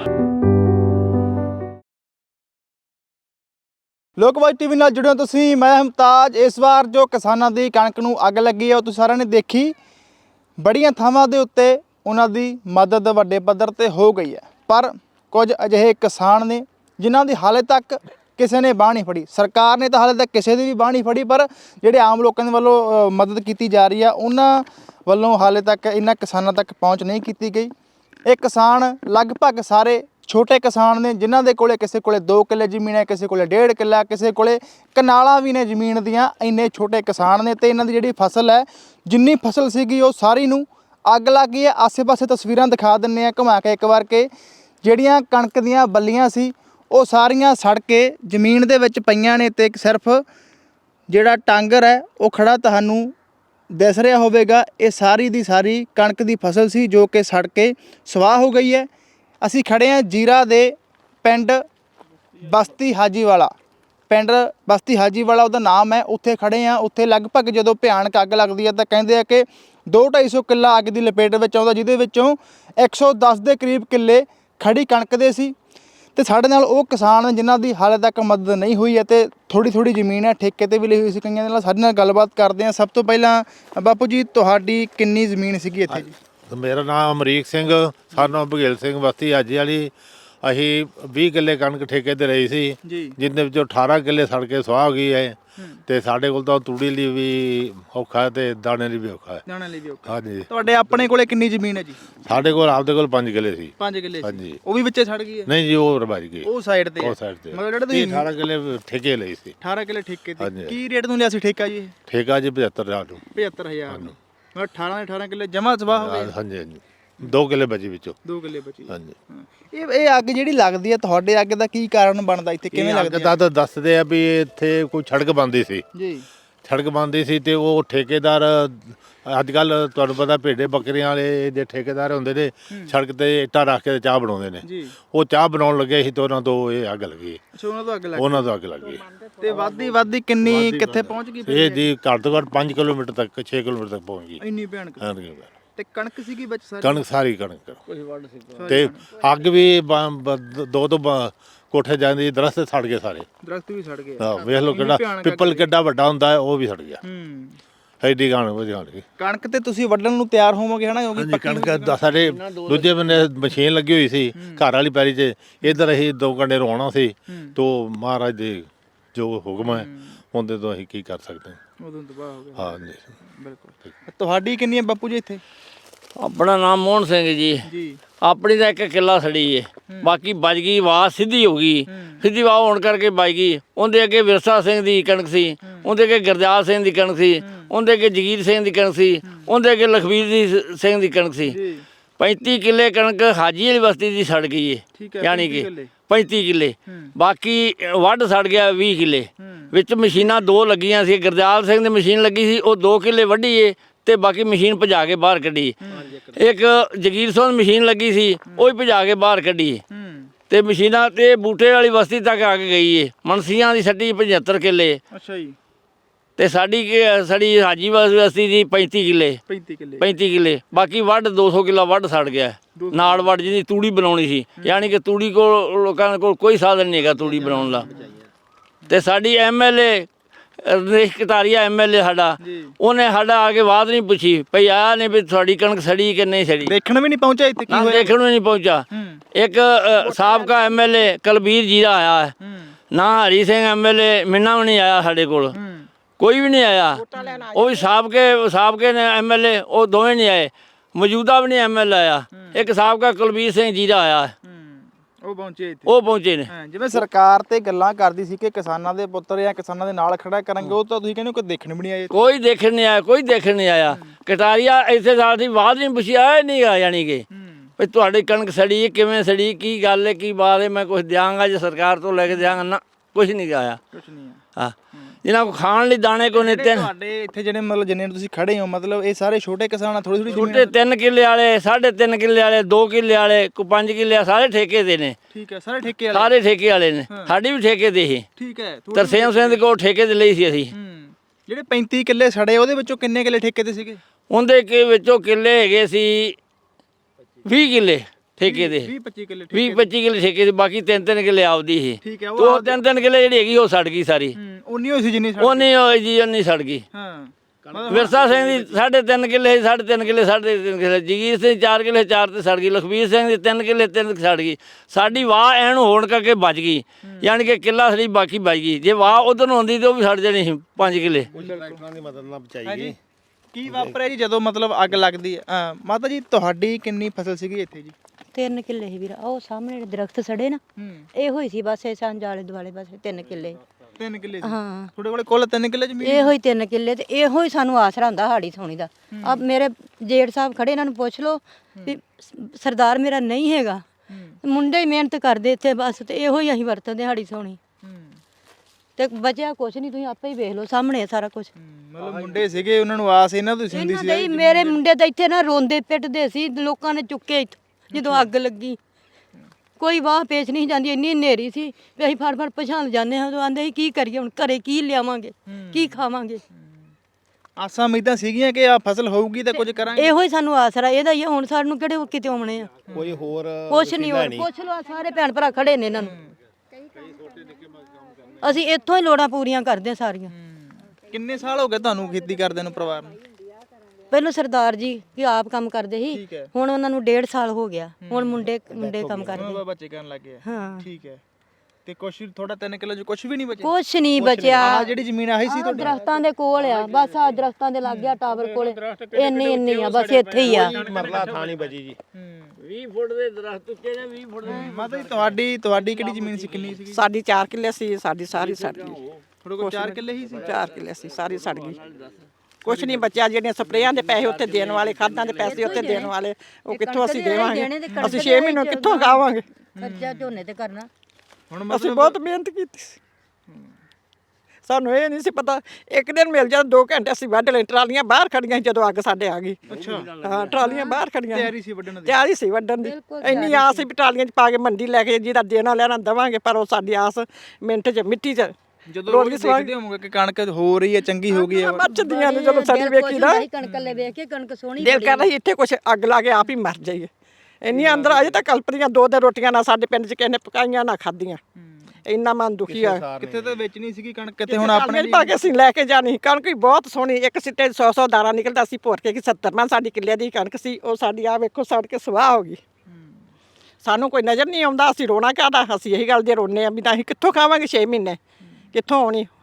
ਲੋਕਵਾਈ ਟੀਵੀ ਨਾਲ ਜੁੜਿਓ ਤੁਸੀਂ। ਮੈਂ ਹਮਤਾਜ। ਇਸ ਵਾਰ ਜੋ ਕਿਸਾਨਾਂ ਦੀ ਕਣਕ ਨੂੰ ਅੱਗ ਲੱਗੀ ਹੈ, ਉਹ ਤੁਸੀਂ ਸਾਰਿਆਂ ਨੇ ਦੇਖੀ। ਬੜੀਆਂ ਥਾਵਾਂ ਦੇ ਉੱਤੇ ਉਹਨਾਂ ਦੀ ਮਦਦ ਵੱਡੇ ਪੱਧਰ ਤੇ ਹੋ ਗਈ ਹੈ, ਪਰ ਕੁਝ ਅਜਿਹੇ ਕਿਸਾਨ ਨੇ ਜਿਨ੍ਹਾਂ ਦੀ ਹਾਲੇ ਤੱਕ ਕਿਸੇ ਨੇ ਬਾਂਹ ਨਹੀਂ ਫੜੀ। ਸਰਕਾਰ ਨੇ ਤਾਂ ਹਾਲੇ ਤੱਕ ਕਿਸੇ ਦੀ ਵੀ ਬਾਂਹ ਨਹੀਂ ਫੜੀ, ਪਰ ਜਿਹੜੇ ਆਮ ਲੋਕਾਂ ਦੇ ਵੱਲੋਂ ਮਦਦ ਕੀਤੀ ਜਾ ਰਹੀ ਆ, ਉਹਨਾਂ ਵੱਲੋਂ ਹਾਲੇ ਤੱਕ ਇਹਨਾਂ ਕਿਸਾਨਾਂ ਤੱਕ ਪਹੁੰਚ ਨਹੀਂ ਕੀਤੀ ਗਈ। ਇਹ ਕਿਸਾਨ ਲਗਭਗ ਸਾਰੇ ਛੋਟੇ ਕਿਸਾਨ ਨੇ, ਜਿਨ੍ਹਾਂ ਦੇ ਕੋਲੇ ਕਿਸੇ ਕੋਲੇ ਦੋ ਕਿੱਲੇ ਜ਼ਮੀਨ ਹੈ, ਕਿਸੇ ਕੋਲੇ ਡੇਢ ਕਿੱਲਾ, ਕਿਸੇ ਕੋਲੇ ਕਨਾਲਾਂ ਵੀ ਨੇ ਜ਼ਮੀਨ ਦੀਆਂ। ਇੰਨੇ ਛੋਟੇ ਕਿਸਾਨ ਨੇ ਤੇ ਇਹਨਾਂ ਦੀ ਜਿਹੜੀ ਫਸਲ ਹੈ, ਜਿੰਨੀ ਫਸਲ ਸੀਗੀ ਉਹ ਸਾਰੀ ਨੂੰ ਅੱਗ ਲੱਗ ਗਈ ਹੈ। ਆਸੇ-ਪਾਸੇ ਤਸਵੀਰਾਂ ਦਿਖਾ ਦਿੰਦੇ ਆ ਘੁਮਾ ਕੇ ਇੱਕ ਵਾਰ ਕਿ ਜਿਹੜੀਆਂ ਕਣਕ ਦੀਆਂ ਬੱਲੀਆਂ ਸੀ ਉਹ ਸਾਰੀਆਂ ਸੜ ਕੇ ਜ਼ਮੀਨ ਦੇ ਵਿੱਚ ਪਈਆਂ ਨੇ ਤੇ ਸਿਰਫ ਜਿਹੜਾ ਟਾਂਗਰ ਹੈ ਉਹ ਖੜਾ ਤੁਹਾਨੂੰ ਦਿਸ ਰਿਹਾ ਹੋਵੇਗਾ। ਇਹ ਸਾਰੀ ਦੀ ਸਾਰੀ ਕਣਕ ਦੀ ਫਸਲ ਸੀ ਜੋ ਕਿ ਸੜ ਕੇ ਸਵਾਹ ਹੋ ਗਈ ਹੈ। ਅਸੀਂ ਖੜੇ ਹਾਂ ਜੀਰਾ ਦੇ ਪਿੰਡ ਬਸਤੀ ਹਾਜੀਵਾਲਾ। ਪਿੰਡ ਬਸਤੀ ਹਾਜੀਵਾਲਾ ਉਹਦਾ ਨਾਮ ਹੈ। ਉੱਥੇ ਖੜੇ ਹਾਂ। ਉੱਥੇ ਲਗਭਗ ਜਦੋਂ ਭਿਆਨਕ ਅੱਗ ਲੱਗਦੀ ਹੈ ਤਾਂ ਕਹਿੰਦੇ ਆ ਕਿ ਦੋ ਢਾਈ ਸੌ ਕਿੱਲਾ ਅੱਗ ਦੀ ਲਪੇਟ ਵਿੱਚ ਆਉਂਦਾ, ਜਿਹਦੇ ਵਿੱਚੋਂ ਇੱਕ ਸੌ ਦਸ ਦੇ ਕਰੀਬ ਕਿੱਲੇ ਖੜੀ ਕਣਕ ਦੇ ਸੀ। ਤੇ ਸਾਡੇ ਨਾਲ ਉਹ ਕਿਸਾਨ ਜਿਨ੍ਹਾਂ ਦੀ ਹਾਲੇ ਤੱਕ ਮਦਦ ਨਹੀਂ ਹੋਈ ਹੈ ਤੇ ਥੋੜ੍ਹੀ ਥੋੜ੍ਹੀ ਜ਼ਮੀਨ ਹੈ, ਠੇਕੇ 'ਤੇ ਵੀ ਲਈ ਹੋਈ ਸੀ ਕਈਆਂ ਦੇ ਨਾਲ। ਸਾਡੇ ਨਾਲ ਗੱਲਬਾਤ ਕਰਦੇ ਹਾਂ। ਸਭ ਤੋਂ ਪਹਿਲਾਂ ਬਾਪੂ ਜੀ, ਤੁਹਾਡੀ ਕਿੰਨੀ ਜ਼ਮੀਨ ਸੀਗੀ ਇੱਥੇ ਜੀ?
ਮੇਰਾ ਨਾਮ ਅਮਰੀਕ ਸਿੰਘ, ਸਾਨੂੰ ਬਘੇਲ ਸਿੰਘ, ਬਸਤੀ ਹਾਜੀ ਵਾਲੀ। ਅਸੀਂ ਵੀਹ ਕਿੱਲੇ ਕਣਕ ਠੇਕੇ 'ਤੇ ਲਈ ਸੀ, ਜਿਹਦੇ ਵਿੱਚੋਂ ਅਠਾਰਾਂ ਕਿੱਲੇ ਸੜ ਕੇ ਸੁਆਹ ਹੋ ਗਈ ਹੈ। ਤੇ ਸਾਡੇ ਕੋਲ ਤਾਂ ਤੂੜੀ ਲਈ ਵੀ ਔਖਾ ਤੇ ਦਾਣੇ ਲਈ ਵੀ ਔਖਾ ਹੈ।
ਦਾਣੇ ਲਈ ਵੀ ਔਖਾ।
ਹਾਂਜੀ।
ਤੁਹਾਡੇ ਆਪਣੇ ਕੋਲੇ ਕਿੰਨੀ ਜ਼ਮੀਨ ਹੈ ਜੀ?
ਸਾਡੇ ਕੋਲ ਆਪਦੇ ਕੋਲ ਪੰਜ ਕਿੱਲੇ ਸੀ।
ਪੰਜ ਕਿੱਲੇ?
ਹਾਂਜੀ।
ਉਹ ਵੀ ਵਿੱਚੇ ਸੜ ਗਈ ਹੈ?
ਨਹੀਂ ਜੀ, ਉਹ ਰਵਾਜ ਗਈ
ਉਹ ਸਾਈਡ ਤੇ।
ਉਹ ਸਾਈਡ ਤੇ
ਮਤਲਬ ਜਿਹੜੇ ਤੁਸੀਂ
ਅਠਾਰਾਂ ਕਿੱਲੇ ਠੇਕੇ ਲਈ ਸੀ।
ਅਠਾਰਾਂ ਕਿੱਲੇ ਠੇਕੇ ਤੇ ਕੀ ਰੇਟ ਨੂੰ ਲਿਆ ਸੀ ਠੇਕਾ ਜੀ?
ਠੇਕਾ ਜੀ ਪਝੱਤਰ ਹਜ਼ਾਰ ਨੂੰ।
ਪਝੱਤਰ ਹਜ਼ਾਰ ਨੂੰ। ਮਤਲਬ ਅਠਾਰਾਂ ਦੇ ਅਠਾਰਾਂ ਕਿੱਲੇ ਜਮਾ ਸਵਾਹ ਹੋ ਗਏ?
ਹਾਂਜੀ ਹਾਂਜੀ, ਦੋ ਕਿੱਲੇ ਬਚੀ ਵਿੱਚੋਂ।
ਦੋ ਕਿੱਲੇ ਬਚੀ।
ਹਾਂਜੀ।
ਇਹ ਇਹ ਅੱਗ ਜਿਹੜੀ ਲੱਗਦੀ ਹੈ, ਤੁਹਾਡੇ ਅੱਗ ਦਾ ਕੀ ਕਾਰਨ ਬਣਦਾ? ਇੱਥੇ ਕਿਵੇਂ ਲੱਗਦੀ
ਹੈ? ਤਾਂ ਦੱਸਦੇ ਆ ਵੀ ਇੱਥੇ ਕੋਈ ਸੜਕ ਬਣਦੀ ਸੀ
ਜੀ।
ਸੜਕ ਬਣਦੀ ਸੀ ਤੇ ਉਹ ਠੇਕੇਦਾਰ, ਅੱਜ ਕੱਲ੍ਹ ਤੁਹਾਨੂੰ ਪਤਾ ਭੇਡੇ ਬੱਕਰੀਆਂ ਵਾਲੇ ਜੇ ਠੇਕੇਦਾਰ ਹੁੰਦੇ ਨੇ, ਸੜਕ 'ਤੇ ਇੱਟਾਂ ਰੱਖ ਕੇ ਚਾਹ ਬਣਾਉਂਦੇ ਨੇ। ਉਹ ਚਾਹ ਬਣਾਉਣ ਲੱਗੇ ਸੀ ਤੇ ਉਹਨਾਂ ਤੋਂ ਇਹ ਅੱਗ ਲੱਗੀ।
ਉਹਨਾਂ ਤੋਂ ਅੱਗ ਲੱਗੀ?
ਉਹਨਾਂ ਤੋਂ ਅੱਗ ਲੱਗੀ।
ਤੇ ਵੱਧਦੀ ਵੱਧਦੀ ਕਿੰਨੀ ਕਿੱਥੇ ਪਹੁੰਚ ਗਈ?
ਇਹ ਜੀ ਘੱਟ ਤੋਂ ਘੱਟ ਪੰਜ ਕਿਲੋਮੀਟਰ ਤੱਕ, ਛੇ ਕਿਲੋਮੀਟਰ ਤੱਕ ਪਹੁੰਚ ਗਈ।
ਇੰਨੀ ਭਿਆਨਕ? ਤੇ ਕਣਕ ਸੀਗੀ ਵਿੱਚ ਸਾਰੀ?
ਕਣਕ ਸਾਰੀ ਕਣਕ ਤੇ ਅੱਗ ਵੀ ਦੋ ਤੋਂ ਕੋਠੇ ਜਾਂਦੀ, ਦਰਖਤ ਸੜ ਗਏ ਸਾਰੇ।
ਦਰਖਤ ਵੀ ਸੜ ਗਏ?
ਹਾਂ, ਵੇਖ ਲਓ ਕਿੱਡਾ ਪਿੱਪਲ ਕਿੱਡਾ ਵੱਡਾ ਹੁੰਦਾ ਹੈ, ਉਹ ਵੀ ਸੜ ਗਿਆ।
ਹੂੰ।
ਐਡੀ ਗਾਣ ਵਜਾਣ ਗਈ
ਕਣਕ। ਤੇ ਤੁਸੀਂ ਵੱਢਣ ਨੂੰ ਤਿਆਰ ਹੋਵੋਗੇ ਹਨਾ?
ਕਿਉਂਕਿ ਕਣਕ ਸਾਡੇ ਦੂਜੇ ਬੰਨੇ ਮਸ਼ੀਨ ਲੱਗੀ ਹੋਈ ਸੀ ਘਰ ਵਾਲੀ ਪੈਰੀ 'ਚ। ਇੱਧਰ ਅਸੀਂ ਦੋ ਘੰਟੇ ਰੋਣਾ ਸੀ, ਤੋ ਮਹਾਰਾਜ ਦੇ ਜੋ ਹੁਕਮ ਹੈ ਉਹਦੇ ਤੋਂ ਅਸੀਂ ਕੀ ਕਰ ਸਕਦੇ ਹਾਂ।
ਉਦੋਂ ਤਬਾਹ ਹੋ ਗਿਆ।
ਹਾਂ ਜੀ
ਬਿਲਕੁਲ। ਤੁਹਾਡੀ ਕਿੰਨੀ ਹੈ ਬਾਪੂ ਜੀ ਇੱਥੇ?
ਆਪਣਾ ਨਾਮ ਮੋਹਨ ਸਿੰਘ ਜੀ।
ਜੀ।
ਆਪਣੀ ਤਾਂ ਇੱਕ ਕਿੱਲਾ ਸੜੀ ਏ, ਬਾਕੀ ਬਚ ਗਈ ਵਾਹ ਸਿੱਧੀ ਹੋ ਗਈ। ਸਿੱਧੀ ਵਾਹ ਹੋਣ ਕਰਕੇ ਬਚ ਗਈ। ਉਹਦੇ ਅੱਗੇ ਵਿਰਸਾ ਸਿੰਘ ਦੀ ਕਣਕ ਸੀ, ਉਹਦੇ ਅੱਗੇ ਗੁਰਦਿਆਲ ਸਿੰਘ ਦੀ ਕਣਕ ਸੀ, ਉਹਦੇ ਅੱਗੇ ਜਗੀਰ ਸਿੰਘ ਦੀ ਕਣਕ ਸੀ, ਉਹਦੇ ਅੱਗੇ ਲਖਬੀਰ ਦੀ ਸਿੰਘ ਦੀ ਕਣਕ ਸੀ। ਪੈਂਤੀ ਕਿੱਲੇ ਕਣਕ ਹਾਜੀ ਵਾਲੀ ਬਸਤੀ ਦੀ ਸੜ ਗਈ ਏ, ਯਾਨੀ ਕਿ ਪੈਂਤੀ ਕਿੱਲੇ। ਬਾਕੀ ਵੱਢ ਸੜ ਗਿਆ ਵੀਹ ਕਿੱਲੇ। ਵਿੱਚ ਮਸ਼ੀਨਾਂ ਦੋ ਲੱਗੀਆਂ ਸੀ, ਗੁਰਦਿਆਲ ਸਿੰਘ ਦੀ ਮਸ਼ੀਨ ਲੱਗੀ ਸੀ, ਉਹ ਦੋ ਕਿੱਲੇ ਵੱਢੀ ਏ ਤੇ ਬਾਕੀ ਮਸ਼ੀਨ ਭਜਾ ਕੇ ਬਾਹਰ ਕੱਢੀ। ਇੱਕ ਜਗੀਰ ਸਿੰਘ ਮਸ਼ੀਨ ਲੱਗੀ ਸੀ, ਉਹ ਵੀ ਭਜਾ ਕੇ ਬਾਹਰ ਕੱਢੀ ਤੇ ਮਸ਼ੀਨਾਂ ਤੇ ਬੂਟੇ ਵਾਲੀ ਬਸਤੀ ਤੱਕ ਆ ਕੇ ਗਈ ਏ। ਮਨਸੀਆਂ ਦੀ ਸੱਟੀ ਪਝੱਤਰ ਕਿੱਲੇ।
ਅੱਛਾ ਜੀ।
ਤੇ ਸਾਡੀ ਕੀ- ਸਾਡੀ ਹਾਜੀ ਬਸਤੀ ਦੀ ਪੈਂਤੀ ਕਿੱਲੇ
ਪੈਂਤੀ ਕਿੱਲੇ
ਪੈਂਤੀ ਕਿੱਲੇ। ਬਾਕੀ ਵੱਢ ਦੋ ਸੌ ਕਿੱਲਾ ਵੱਢ ਸੜ ਗਿਆ ਨਾਲ। ਵੱਢ ਜਿਹਦੀ ਤੂੜੀ ਬਣਾਉਣੀ ਸੀ, ਯਾਨੀ ਕਿ ਤੂੜੀ ਕੋਲ ਲੋਕਾਂ ਕੋਲ ਕੋਈ ਸਾਧਨ ਨਹੀਂ ਹੈਗਾ ਤੂੜੀ ਬਣਾਉਣ ਦਾ। ਤੇ ਸਾਡੀ M L A Ramesh Kataria M L A ਸਾਡਾ, ਉਹਨੇ ਸਾਡਾ ਆ ਕੇ ਬਾਤ ਨਹੀਂ ਪੁੱਛੀ ਭਈ ਆਹ ਨਹੀਂ ਵੀ ਤੁਹਾਡੀ ਕਣਕ ਸੜੀ ਕਿ ਨਹੀਂ ਸੜੀ।
ਦੇਖਣ ਵੀ ਨਹੀਂ ਪਹੁੰਚਿਆ ਇੱਥੇ ਕੀ
ਨਾ
ਹੋਇਆ?
ਦੇਖਣ ਨੂੰ ਨਹੀਂ ਪਹੁੰਚਾ। ਇੱਕ ਅ, ਸਾਬਕਾ ਐਮ ਐਲ ਏ ਕੁਲਬੀਰ ਜੀ ਦਾ ਆਇਆ ਹੈ, ਨਾ Hari Singh M L A ਮਿੰਨਾ ਵੀ ਨਹੀਂ ਆਇਆ ਸਾਡੇ ਕੋਲ, ਕੋਈ ਵੀ ਨਹੀਂ ਆਇਆ। ਉਹ ਵੀ ਸਾਬਕੇ ਸਾਬਕੇ ਨੇ ਐਮ ਐਲ ਏ, ਉਹ ਦੋਵੇਂ ਨਹੀਂ ਆਏ। ਮੌਜੂਦਾ ਵੀ ਨਹੀਂ ਐਮ ਐਲ ਏ ਆਇਆ। ਇੱਕ ਸਾਬਕਾ ਕੁਲਬੀਰ ਸਿੰਘ ਜੀ ਦਾ ਆਇਆ,
ਉਹ ਪਹੁੰਚੇ ਇੱਥੇ।
ਉਹ ਪਹੁੰਚੇ ਨੇ।
ਹਾਂ, ਜਿਵੇਂ ਸਰਕਾਰ ਤੇ ਗੱਲਾਂ ਕਰਦੀ ਸੀ ਕਿ ਕਿਸਾਨਾਂ ਦੇ ਪੁੱਤਰ ਜਾਂ ਕਿਸਾਨਾਂ ਦੇ ਨਾਲ ਖੜਾ ਕਰਾਂਗੇ, ਉਹ ਤਾਂ ਤੁਸੀਂ ਕਹਿੰਦੇ ਹੋ ਕਿ ਦੇਖਣ ਵੀ ਨਹੀਂ ਆਏ।
ਕੋਈ ਦੇਖਣ ਨਹੀਂ ਆਇਆ, ਕੋਈ ਦੇਖਣ ਨਹੀਂ ਆਇਆ। ਕਟਾਰੀਆ ਇਸੇ ਸਾਲ ਦੀ ਬਾਅਦ ਨਹੀਂ ਪੁੱਛੀ, ਆਇਆ ਨਹੀਂ ਗਾ, ਯਾਨੀ ਕਿ ਵੀ ਤੁਹਾਡੀ ਕਣਕ ਸੜੀ ਕਿਵੇਂ ਸੜੀ, ਕੀ ਗੱਲ ਹੈ, ਕੀ ਬਾਤ ਹੈ, ਮੈਂ ਕੁਛ ਦਿਆਂਗਾ ਜੇ ਸਰਕਾਰ ਤੋਂ ਲੈ ਕੇ ਦਿਆਂਗਾ। ਨਾ ਕੁਛ ਨਹੀਂ ਆਇਆ।
ਕੁਛ ਨਹੀਂ
ਹਾਂ, ਜਿਨ੍ਹਾਂ ਕੋ ਖਾਣ ਲਈ ਦਾਣੇ ਕੋ ਨਹੀਂ। ਤਿੰਨ
ਤੁਹਾਡੇ ਇੱਥੇ ਜਿਹੜੇ ਮਤਲਬ ਜਿੰਨੇ ਤੁਸੀਂ ਖੜੇ ਹੋ, ਮਤਲਬ ਇਹ ਸਾਰੇ ਛੋਟੇ ਕਿਸਾਨ ਆ? ਥੋੜੀ ਥੋੜੀ
ਛੋਟੇ ਤਿੰਨ ਕਿੱਲੇ ਵਾਲੇ, ਸਾਢੇ ਤਿੰਨ ਕਿੱਲੇ ਵਾਲੇ, ਦੋ ਕਿੱਲੇ ਵਾਲੇ, ਕੋ ਪੰਜ ਕਿੱਲੇ ਆ, ਸਾਰੇ ਠੇਕੇ ਦੇ ਨੇ।
ਠੀਕ ਹੈ, ਸਾਰੇ ਠੇਕੇ ਵਾਲੇ?
ਸਾਰੇ ਠੇਕੇ ਵਾਲੇ ਨੇ, ਸਾਡੀ ਵੀ ਠੇਕੇ ਦੇ ਹੀ।
ਠੀਕ ਹੈ।
ਤਰਸੇਮ ਸਿੰਘ ਦੇ ਕੋਲ ਠੇਕੇ ਤੇ ਲਈ ਸੀ ਅਸੀਂ।
ਜਿਹੜੇ ਪੈਂਤੀ ਕਿੱਲੇ ਸੜੇ, ਉਹਦੇ ਵਿੱਚੋਂ ਕਿੰਨੇ ਕਿੱਲੇ ਠੇਕੇ ਤੇ ਸੀਗੇ?
ਉਹਦੇ ਕੇ ਵਿੱਚੋਂ ਕਿੱਲੇ ਹੈਗੇ ਸੀ ਵੀਹ ਕਿੱਲੇ ਠੇਕੇ ਦੇ,
ਵੀਹ ਪੱਚੀ ਕਿੱਲੇ
ਵੀਹ ਪੱਚੀ ਕਿੱਲੇ ਠੇਕੇ ਦੇ, ਬਾਕੀ ਤਿੰਨ ਤਿੰਨ ਕਿੱਲੇ ਆਪਦੀ ਸੀ।
ਠੀਕ ਹੈ।
ਤੇ ਉਹ ਤਿੰਨ ਤਿੰਨ ਕਿੱਲੇ ਜਿਹੜੀ ਹੈਗੀ ਉਹ ਸੜ ਗਈ ਸਾਰੀ।
ਉਨੀ ਹੋਈ ਸੀ ਜਿੰਨੀ ਸੜ?
ਉਹ ਨਹੀਂ ਹੋਈ ਜੀ, ਉਹ ਨਹੀਂ ਸੜ ਗਈ।
ਹਾਂ।
ਵਿਰਸਾ ਸਿੰਘ ਦੀ ਸਾਢੇ ਤਿੰਨ ਕਿੱਲੇ ਸੀ, ਸਾਢੇ ਤਿੰਨ ਕਿੱਲੇ ਸਾਢੇ ਤਿੰਨ ਕਿੱਲੇ। ਜਗੀਰ ਸਿੰਘ ਚਾਰ ਕਿੱਲੇ, ਚਾਰ ਤੇ ਸੜ ਗਈ। ਲਖਬੀਰ ਸਿੰਘ ਦੀ ਤਿੰਨ ਕਿੱਲੇ, ਤਿੰਨ ਸੜ ਗਈ। ਸਾਡੀ ਵਾਹ ਐਨ ਹੋਣ ਕਰਕੇ ਬਚ ਗਈ, ਯਾਨੀ ਕਿ ਕਿੱਲਾ ਸੜੀ ਬਾਕੀ ਬਚ ਗਈ। ਜੇ ਵਾਹ ਉਧਰ ਨੂੰ ਆਉਂਦੀ ਤੇ ਉਹ ਵੀ ਸੜ ਜਾਣੀ ਸੀ ਪੰਜ ਕਿੱਲੇ।
ਡਾਕਟਰਾਂ ਦੀ ਮਦਦ ਨਾਲ ਬਚਾਈ ਗਈ।
ਕੀ ਵਾਪਰਿਆ ਜੀ ਜਦੋਂ ਮਤਲਬ ਅੱਗ ਲੱਗਦੀ ਹੈ? ਹਾਂ, ਮਾਤਾ ਜੀ ਤੁਹਾਡੀ ਕਿੰਨੀ ਫਸਲ ਸੀਗੀ ਇੱਥੇ ਜੀ?
ਤਿੰਨ ਕਿੱਲੇ ਸੀ ਵੀਰਾ। ਉਹ ਸਾਹਮਣੇ ਜਿਹੜੇ ਦਰਖਤ ਸੜੇ ਨਾ, ਇਹੋ ਹੀ ਸੀ ਬਸ। ਇਹ ਸਾਂਝ ਆਲੇ ਦੁਆਲੇ ਬਸ ਤਿੰਨ ਕਿੱਲੇ।
ਤਿੰਨ ਕਿੱਲੇ ਸੀ?
ਹਾਂ।
ਤੁਹਾਡੇ ਕੋਲ ਕੁੱਲ ਤਿੰਨ ਕਿੱਲੇ ਜ਼ਮੀਨ?
ਇਹੋ ਹੀ ਤਿੰਨ ਕਿੱਲੇ ਤੇ ਇਹੋ ਹੀ ਸਾਨੂੰ ਆਸਰਾ ਹੁੰਦਾ ਹਾੜੀ ਸੋਣੀ ਦਾ। ਆ ਮੇਰੇ ਜੇਠ ਸਾਹਿਬ ਖੜੇ, ਇਹਨਾਂ ਨੂੰ ਪੁੱਛ ਲਓ ਵੀ ਸਰਦਾਰ ਮੇਰਾ ਨਹੀਂ ਹੈਗਾ, ਮੁੰਡੇ ਹੀ ਮਿਹਨਤ ਕਰਦੇ ਇੱਥੇ ਬਸ, ਤੇ ਇਹੋ ਹੀ ਅਸੀਂ ਵਰਤਦੇ ਹਾੜੀ ਸੋਣੀ। ਤੇ ਬਚਿਆ ਕੁਛ ਨਹੀਂ, ਤੁਸੀਂ ਆਪੇ ਹੀ ਵੇਖ ਲਓ, ਸਾਹਮਣੇ ਸਾਰਾ ਕੁਝ।
ਮਤਲਬ ਮੁੰਡੇ ਸੀਗੇ, ਉਹਨਾਂ ਨੂੰ ਆਸ ਇਹਨਾਂ ਤੋਂ ਹੁੰਦੀ
ਇਹਨਾਂ ਦੇ ਹੀ ਮੇਰੇ ਮੁੰਡੇ ਤਾਂ ਇੱਥੇ ਨਾ ਰੋਂਦੇ ਪਿੱਟਦੇ ਸੀ, ਲੋਕਾਂ ਨੇ ਚੁੱਕੇ ਇੱਥੋਂ ਜਦੋਂ ਅੱਗ ਲੱਗੀ। ਕੋਈ ਵਾਹ ਪੇਸ਼ ਨਹੀਂ ਜਾਂਦੀ, ਇੰਨੀ ਹਨੇਰੀ ਸੀ ਵੀ ਅਸੀਂ ਫੜ ਫੜ ਪਛਾਣ ਜਾਂਦੇ ਹਾਂ। ਉਦੋਂ ਆਂਦੇ ਸੀ ਕੀ ਕਰੀਏ ਹੁਣ, ਘਰੇ ਕੀ ਲਿਆਵਾਂਗੇ, ਕੀ ਖਾਵਾਂਗੇ।
ਆਸਾਂ ਉਮੀਦਾਂ ਸੀਗੀਆਂ ਕਿ ਆ ਫਸਲ ਹੋਊਗੀ ਤਾਂ ਕੁਝ ਕਰਾਂਗੇ।
ਇਹੋ ਹੀ ਸਾਨੂੰ ਆਸਰਾ ਇਹਦਾ ਹੀ ਆ। ਹੁਣ ਸਾਨੂੰ ਕਿਹੜੇ ਕਿਤੇ ਆਉਣੇ ਆ?
ਕੋਈ ਹੋਰ
ਕੁਛ ਨਹੀਂ ਹੋਰ। ਪੁੱਛ ਲਓ, ਆਹ ਸਾਰੇ ਭੈਣ ਭਰਾ ਖੜੇ ਨੇ, ਇਹਨਾਂ ਨੂੰ ਅਸੀਂ ਇੱਥੋਂ ਹੀ ਲੋੜਾਂ ਪੂਰੀਆਂ ਕਰਦੇ ਹਾਂ ਸਾਰੀਆਂ।
ਕਿੰਨੇ ਸਾਲ ਹੋ ਗਏ ਤੁਹਾਨੂੰ ਖੇਤੀ ਕਰਦੇ ਨੂੰ, ਪਰਿਵਾਰ ਨੂੰ?
ਪਹਿਲਾਂ ਸਰਦਾਰ ਜੀ ਕਿ ਆਪ ਕੰਮ ਕਰਦੇ ਸੀ, ਹੁਣ ਉਹਨਾਂ ਨੂੰ ਡੇਢ ਸਾਲ ਹੋ ਗਿਆ। ਹੁਣ ਮੁੰਡੇ ਮੁੰਡੇ ਕੰਮ ਕਰਦੇ।
ਹੁਣ ਬੱਚੇ ਕਰਨ ਲੱਗ ਗਏ?
ਹਾਂ।
ਠੀਕ ਹੈ। ਤੇ ਕੁਛ ਥੋੜਾ ਤਿੰਨ ਕਿਲੋ ਚ ਕੁਛ ਵੀ ਨਹੀਂ ਬਚਿਆ?
ਕੁਛ ਨਹੀਂ ਬਚਿਆ।
ਆਹ ਜਿਹੜੀ ਜ਼ਮੀਨ ਆਹੀ ਸੀ ਤੁਹਾਡੀ?
ਦਰਖਤਾਂ ਦੇ ਕੋਲ ਆ ਬਸ, ਆ ਦਰਖਤਾਂ ਦੇ ਲੱਗ ਗਿਆ ਟਾਵਰ ਕੋਲੇ, ਇੰਨੀ ਇੰਨੀ ਆ ਬਸ, ਇੱਥੇ ਹੀ ਆ।
ਮਰਲਾ ਥਾਂ ਨਹੀਂ ਬਚੀ ਜੀ।
ਵੀਹ ਫੁੱਟ ਦੇ ਦਰਖਤ ਉੱਚੇ ਨੇ, ਵੀਹ ਫੁੱਟ ਦੇ।
ਮਾਤਾ ਜੀ ਤੁਹਾਡੀ ਤੁਹਾਡੀ ਕਿਹੜੀ ਜ਼ਮੀਨ ਸੀ, ਕਿੰਨੀ ਸੀ?
ਸਾਡੀ ਚਾਰ ਕਿੱਲੇ ਸੀ, ਸਾਡੀ ਸਾਰੀ ਸੜ ਗਈ।
ਤੁਹਾਡੇ ਕੋਲ ਚਾਰ ਕਿੱਲੇ ਹੀ ਸੀ?
ਚਾਰ ਕਿੱਲੇ ਸੀ, ਸਾਰੀ ਸੜ ਗਈ। ਕੁਛ ਨਹੀਂ ਬਚਿਆ। ਜਿਹੜੀਆਂ ਸਪਰੇਆਂ ਦੇ ਪੈਸੇ ਉੱਥੇ ਦੇਣ ਵਾਲੇ, ਖਾਦਾਂ ਦੇ ਪੈਸੇ ਉੱਥੇ ਦੇਣ ਵਾਲੇ, ਉਹ ਕਿੱਥੋਂ ਅਸੀਂ ਦੇਵਾਂਗੇ? ਅਸੀਂ ਛੇ ਮਹੀਨੇ ਕਿੱਥੋਂ ਖਾਵਾਂਗੇ?
ਖਰਚਾ ਝੋਨੇ ਤੇ ਕਰਨਾ।
ਹੁਣ
ਅਸੀਂ ਬਹੁਤ ਮਿਹਨਤ ਕੀਤੀ ਸੀ, ਸਾਨੂੰ ਇਹ ਨਹੀਂ ਸੀ ਪਤਾ ਇੱਕ ਦਿਨ ਮਿਲ ਜਾਂਦਾ, ਦੋ ਘੰਟੇ ਅਸੀਂ ਵੱਢ ਲੈ। ਟਰਾਲੀਆਂ ਬਾਹਰ ਖੜੀਆਂ ਜਦੋਂ ਅੱਗ ਸਾਡੇ ਆ ਗਈ।
ਅੱਛਾ।
ਹਾਂ, ਟਰਾਲੀਆਂ ਬਾਹਰ ਖੜੀਆਂ,
ਤਿਆਰੀ ਸੀ ਵੱਢਣ ਦੀ?
ਤਿਆਰੀ ਸੀ ਵੱਢਣ ਦੀ। ਇੰਨੀ ਆਸ ਸੀ ਵੀ ਟਰਾਲੀਆਂ 'ਚ ਪਾ ਕੇ ਮੰਡੀ ਲੈ ਕੇ ਜਿਹਦਾ ਦੇਣਾ ਲੈਣਾ ਦੇਵਾਂਗੇ, ਪਰ ਉਹ ਸਾਡੀ ਆਸ ਮਿੰਟ 'ਚ ਮਿੱਟੀ 'ਚ
ਜਦੋਂ ਰੋਜ਼ ਦੇਖਦੇ ਹੋਵੋਗੇ ਕਿ ਕਣਕ ਹੋ ਰਹੀ ਹੈ, ਚੰਗੀ ਹੋ ਗਈ ਹੈ,
ਮੱਚਦੀਆਂ ਨੇ ਜਦੋਂ ਸਾਡੀ ਵੇਖੀ ਨਾ,
ਕਣਕ ਲੈ ਵੇਖ ਕੇ ਕਣਕ ਸੋਹਣੀ
ਦਿਲ ਕਰਦਾ ਸੀ ਇੱਥੇ ਕੁਛ ਅੱਗ ਲਾ ਕੇ ਆਪ ਹੀ ਮਰ ਜਾਈਏ। ਇੰਨੀਆਂ ਅੰਦਰ ਅਜੇ ਤਾਂ ਕਲਪਦੀਆਂ, ਦੋ ਦਿਨ ਰੋਟੀਆਂ ਨਾ ਸਾਡੇ ਪਿੰਡ 'ਚ ਕਿਸੇ ਨੇ ਪਕਾਈਆਂ ਨਾ ਖਾਧੀਆਂ। ਇੰਨਾ ਮਨ ਦੁਖੀ ਆ।
ਕਿਤੇ ਤਾਂ ਵੇਚਣੀ ਸੀਗੀ ਕਣਕ, ਕਿਤੇ ਹੁਣ ਆਪਣੇ
ਪਾ ਕੇ ਅਸੀਂ ਲੈ ਕੇ ਜਾਣੀ। ਕਣਕ ਵੀ ਬਹੁਤ ਸੋਹਣੀ, ਇੱਕ ਸਿੱਟੇ ਸੌ ਸੌ ਦਾਣਾ ਨਿਕਲਦਾ ਸੀ ਭੋਰ ਕੇ, ਕਿ ਸੱਤਰ ਮਣ ਸਾਡੀ ਕਿੱਲੇ ਦੀ ਕਣਕ ਸੀ। ਉਹ ਸਾਡੀ ਆ ਵੇਖੋ ਸੜ ਕੇ ਸੁਆਹ ਹੋ ਗਈ। ਸਾਨੂੰ ਕੋਈ ਨਜ਼ਰ ਨਹੀਂ ਆਉਂਦਾ, ਅਸੀਂ ਰੋਣਾ ਕਾਹਦਾ? ਅਸੀਂ ਇਹੀ ਗੱਲ ਦੇ ਰੋਨੇ ਆ ਵੀ ਤਾਂ ਅਸੀਂ ਕਿੱਥੋਂ ਖਾਵਾਂਗੇ? ਛੇ ਮਹੀਨੇ ਕਿੱਥੋਂ ਆਉਣੀ?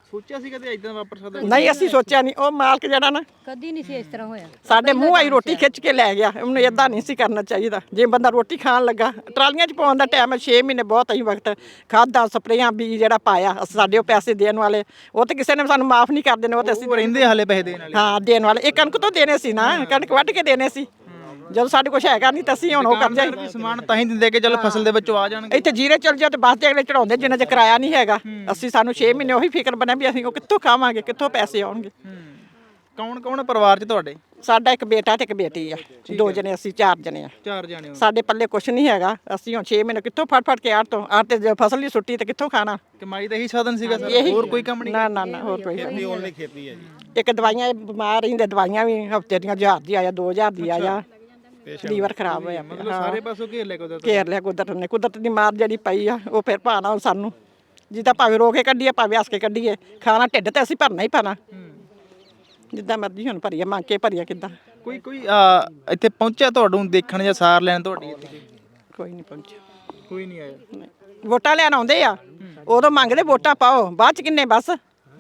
ਸੋਚਿਆ ਸੀ ਕਦੇ ਇਦਾਂ ਵਾਪਰ ਸਕਦਾ?
ਨਹੀਂ ਅਸੀਂ ਸੋਚਿਆ ਨਹੀਂ, ਉਹ ਮਾਲਕ ਜਿਹੜਾ ਨਾ
ਕਦੀ ਨਹੀਂ ਸੀ ਇਸ ਤਰ੍ਹਾਂ ਹੋਇਆ।
ਸਾਡੇ ਮੂੰਹ ਆਈ ਰੋਟੀ ਖਿੱਚ ਕੇ ਲੈ ਗਿਆ। ਉਹਨੂੰ ਇਦਾਂ ਨਹੀਂ ਸੀ ਕਰਨਾ ਚਾਹੀਦਾ। ਜੇ ਬੰਦਾ ਰੋਟੀ ਖਾਣ ਲੱਗਾ, ਟਰਾਲੀਆਂ 'ਚ ਪਾਉਣ ਦਾ ਟਾਈਮ ਹੈ ਛੇ ਮਹੀਨੇ ਬਹੁਤ ਹੀ ਵਕਤ, ਖਾਦਾਂ ਸਪਰੇਆਂ ਵੀ ਜਿਹੜਾ ਪਾਇਆ ਸਾਡੇ ਉਹ ਪੈਸੇ ਦੇਣ ਵਾਲੇ, ਉਹ ਤੇ ਕਿਸੇ ਨੇ ਸਾਨੂੰ ਮਾਫ ਨਹੀਂ ਕਰ ਦੇਣੇ, ਉਹ ਤੇ ਅਸੀਂ
ਉਹ ਰਹਿੰਦੇ ਹਾਲੇ ਪੈਸੇ ਦੇਣ ਵਾਲੇ।
ਹਾਂ ਦੇਣ ਵਾਲੇ। ਇਹ ਕਣਕ ਤੋਂ ਦੇਣੇ ਸੀ ਨਾ, ਕਣਕ ਵੱਢ ਕੇ ਦੇਣੇ ਸੀ। ਜਦੋਂ ਸਾਡੇ ਕੁਛ ਹੈਗਾ ਨਹੀਂ ਤਾਂ ਅਸੀਂ ਹੁਣ ਉਹ ਕਰ ਜਾਈਏ।
ਵੀ ਸਮਾਨ ਤਾਂ ਹੀ ਦਿੰਦੇ ਕਿ ਚਲੋ ਫਸਲ ਦੇ ਵਿੱਚੋਂ ਆ ਜਾਣਗੇ।
ਇੱਥੇ ਜੀਰੇ ਚਲ ਜਾ ਤੇ ਬੱਸ ਤੇ ਅਗਲੇ ਚੜਾਉਂਦੇ ਜਿੰਨਾ ਚ ਕਿਰਾਇਆ ਨਹੀਂ ਹੈਗਾ। ਅਸੀਂ ਸਾਨੂੰ ਛੇ ਮਹੀਨੇ ਉਹੀ ਫਿਕਰ ਬਣਿਆ ਵੀ ਅਸੀਂ ਉਹ ਕਿੱਥੋਂ ਖਾਵਾਂਗੇ, ਕਿੱਥੋਂ ਪੈਸੇ ਆਉਣਗੇ।
ਕੌਣ ਕੌਣ ਪਰਿਵਾਰ 'ਚ ਤੁਹਾਡੇ?
ਸਾਡਾ ਇੱਕ ਬੇਟਾ ਤੇ ਇੱਕ ਬੇਟੀ ਆ, ਦੋ ਜਣੇ ਅਸੀਂ, ਚਾਰ ਜਣੇ ਆ।
ਚਾਰ ਜਾਣੇ ਹੋ।
ਸਾਡੇ ਪੱਲੇ ਕੁਛ ਨਹੀਂ ਹੈਗਾ। ਅਸੀਂ ਹੁਣ ਛੇ ਮਹੀਨੇ ਕਿੱਥੋਂ ਫੜ ਫੜ ਕੇ ਆੜ ਤੋਂ ਆੜ ਤੇ ਜੇ ਫਸਲ ਹੀ ਸੁੱਟੀ ਤੇ ਕਿੱਥੋਂ ਖਾਣਾ।
ਕਮਾਈ ਦਾ ਇਹੀ ਸਾਧਨ ਸੀਗਾ ਸਰ,
ਇਹੀ-
ਹੋਰ ਕੋਈ ਕੰਮ ਨਹੀਂ?
ਨਾ ਨਾ ਨਾ ਹੋਰ ਕੋਈ ਕੰਮ ਨਹੀਂ।
ਓਨਲੀ ਖੇਤੀ ਹੈ ਜੀ।
ਇੱਕ ਦਵਾਈਆਂ ਬਿਮਾਰ ਰਹਿੰਦੇ, ਦਵਾਈਆਂ ਵੀ ਹਫਤੇ ਦੀਆਂ ਹਜ਼ਾਰ ਦੀ ਆਇਆ, ਦੋ ਹਜ਼ਾਰ ਦੀ ਆਇਆ। ਲੀਵਰ ਖਰਾਬ ਹੋਇਆ ਪਿਆ।
ਮਤਲਬ ਸਾਰੇ ਪਾਸੋਂ ਘੇਰ ਲੈ ਕੁਦਰਤ।
ਘੇਰ ਲਿਆ ਕੁਦਰਤ ਨੇ। ਕੁਦਰਤ ਦੀ ਮਾਰ ਜਿਹੜੀ ਪਈ ਆ ਉਹ ਫਿਰ ਭਾਣਾ ਹੁਣ ਸਾਨੂੰ, ਜਿੱਦਾਂ ਭਾਵੇਂ ਰੋ ਕੇ ਕੱਢੀਏ ਭਾਵੇਂ ਹੱਸ ਕੇ ਕੱਢੀਏ, ਖਾਣਾ ਢਿੱਡ ਤੇ ਅਸੀਂ ਭਰਨਾ ਹੀ ਪੈਣਾ। ਜਿੱਦਾਂ ਮਰਜ਼ੀ ਹੁਣ ਭਰੀਏ, ਮੰਗ ਕੇ ਭਰੀਏ ਕਿੱਦਾਂ।
ਕੋਈ ਕੋਈ ਆ, ਇੱਥੇ ਪਹੁੰਚਿਆ ਤੁਹਾਨੂੰ ਦੇਖਣ ਜਾਂ ਸਾਰ ਲੈਣ ਤੁਹਾਡੀ ਇੱਥੇ?
ਕੋਈ ਨਹੀਂ ਪਹੁੰਚਿਆ।
ਕੋਈ ਨਹੀਂ ਆਇਆ।
ਵੋਟਾਂ ਲੈਣ ਆਉਂਦੇ ਆ, ਉਦੋਂ ਮੰਗਦੇ ਵੋਟਾਂ ਪਾਓ, ਬਾਅਦ ਚ ਕਿੰਨੇ ਬਸ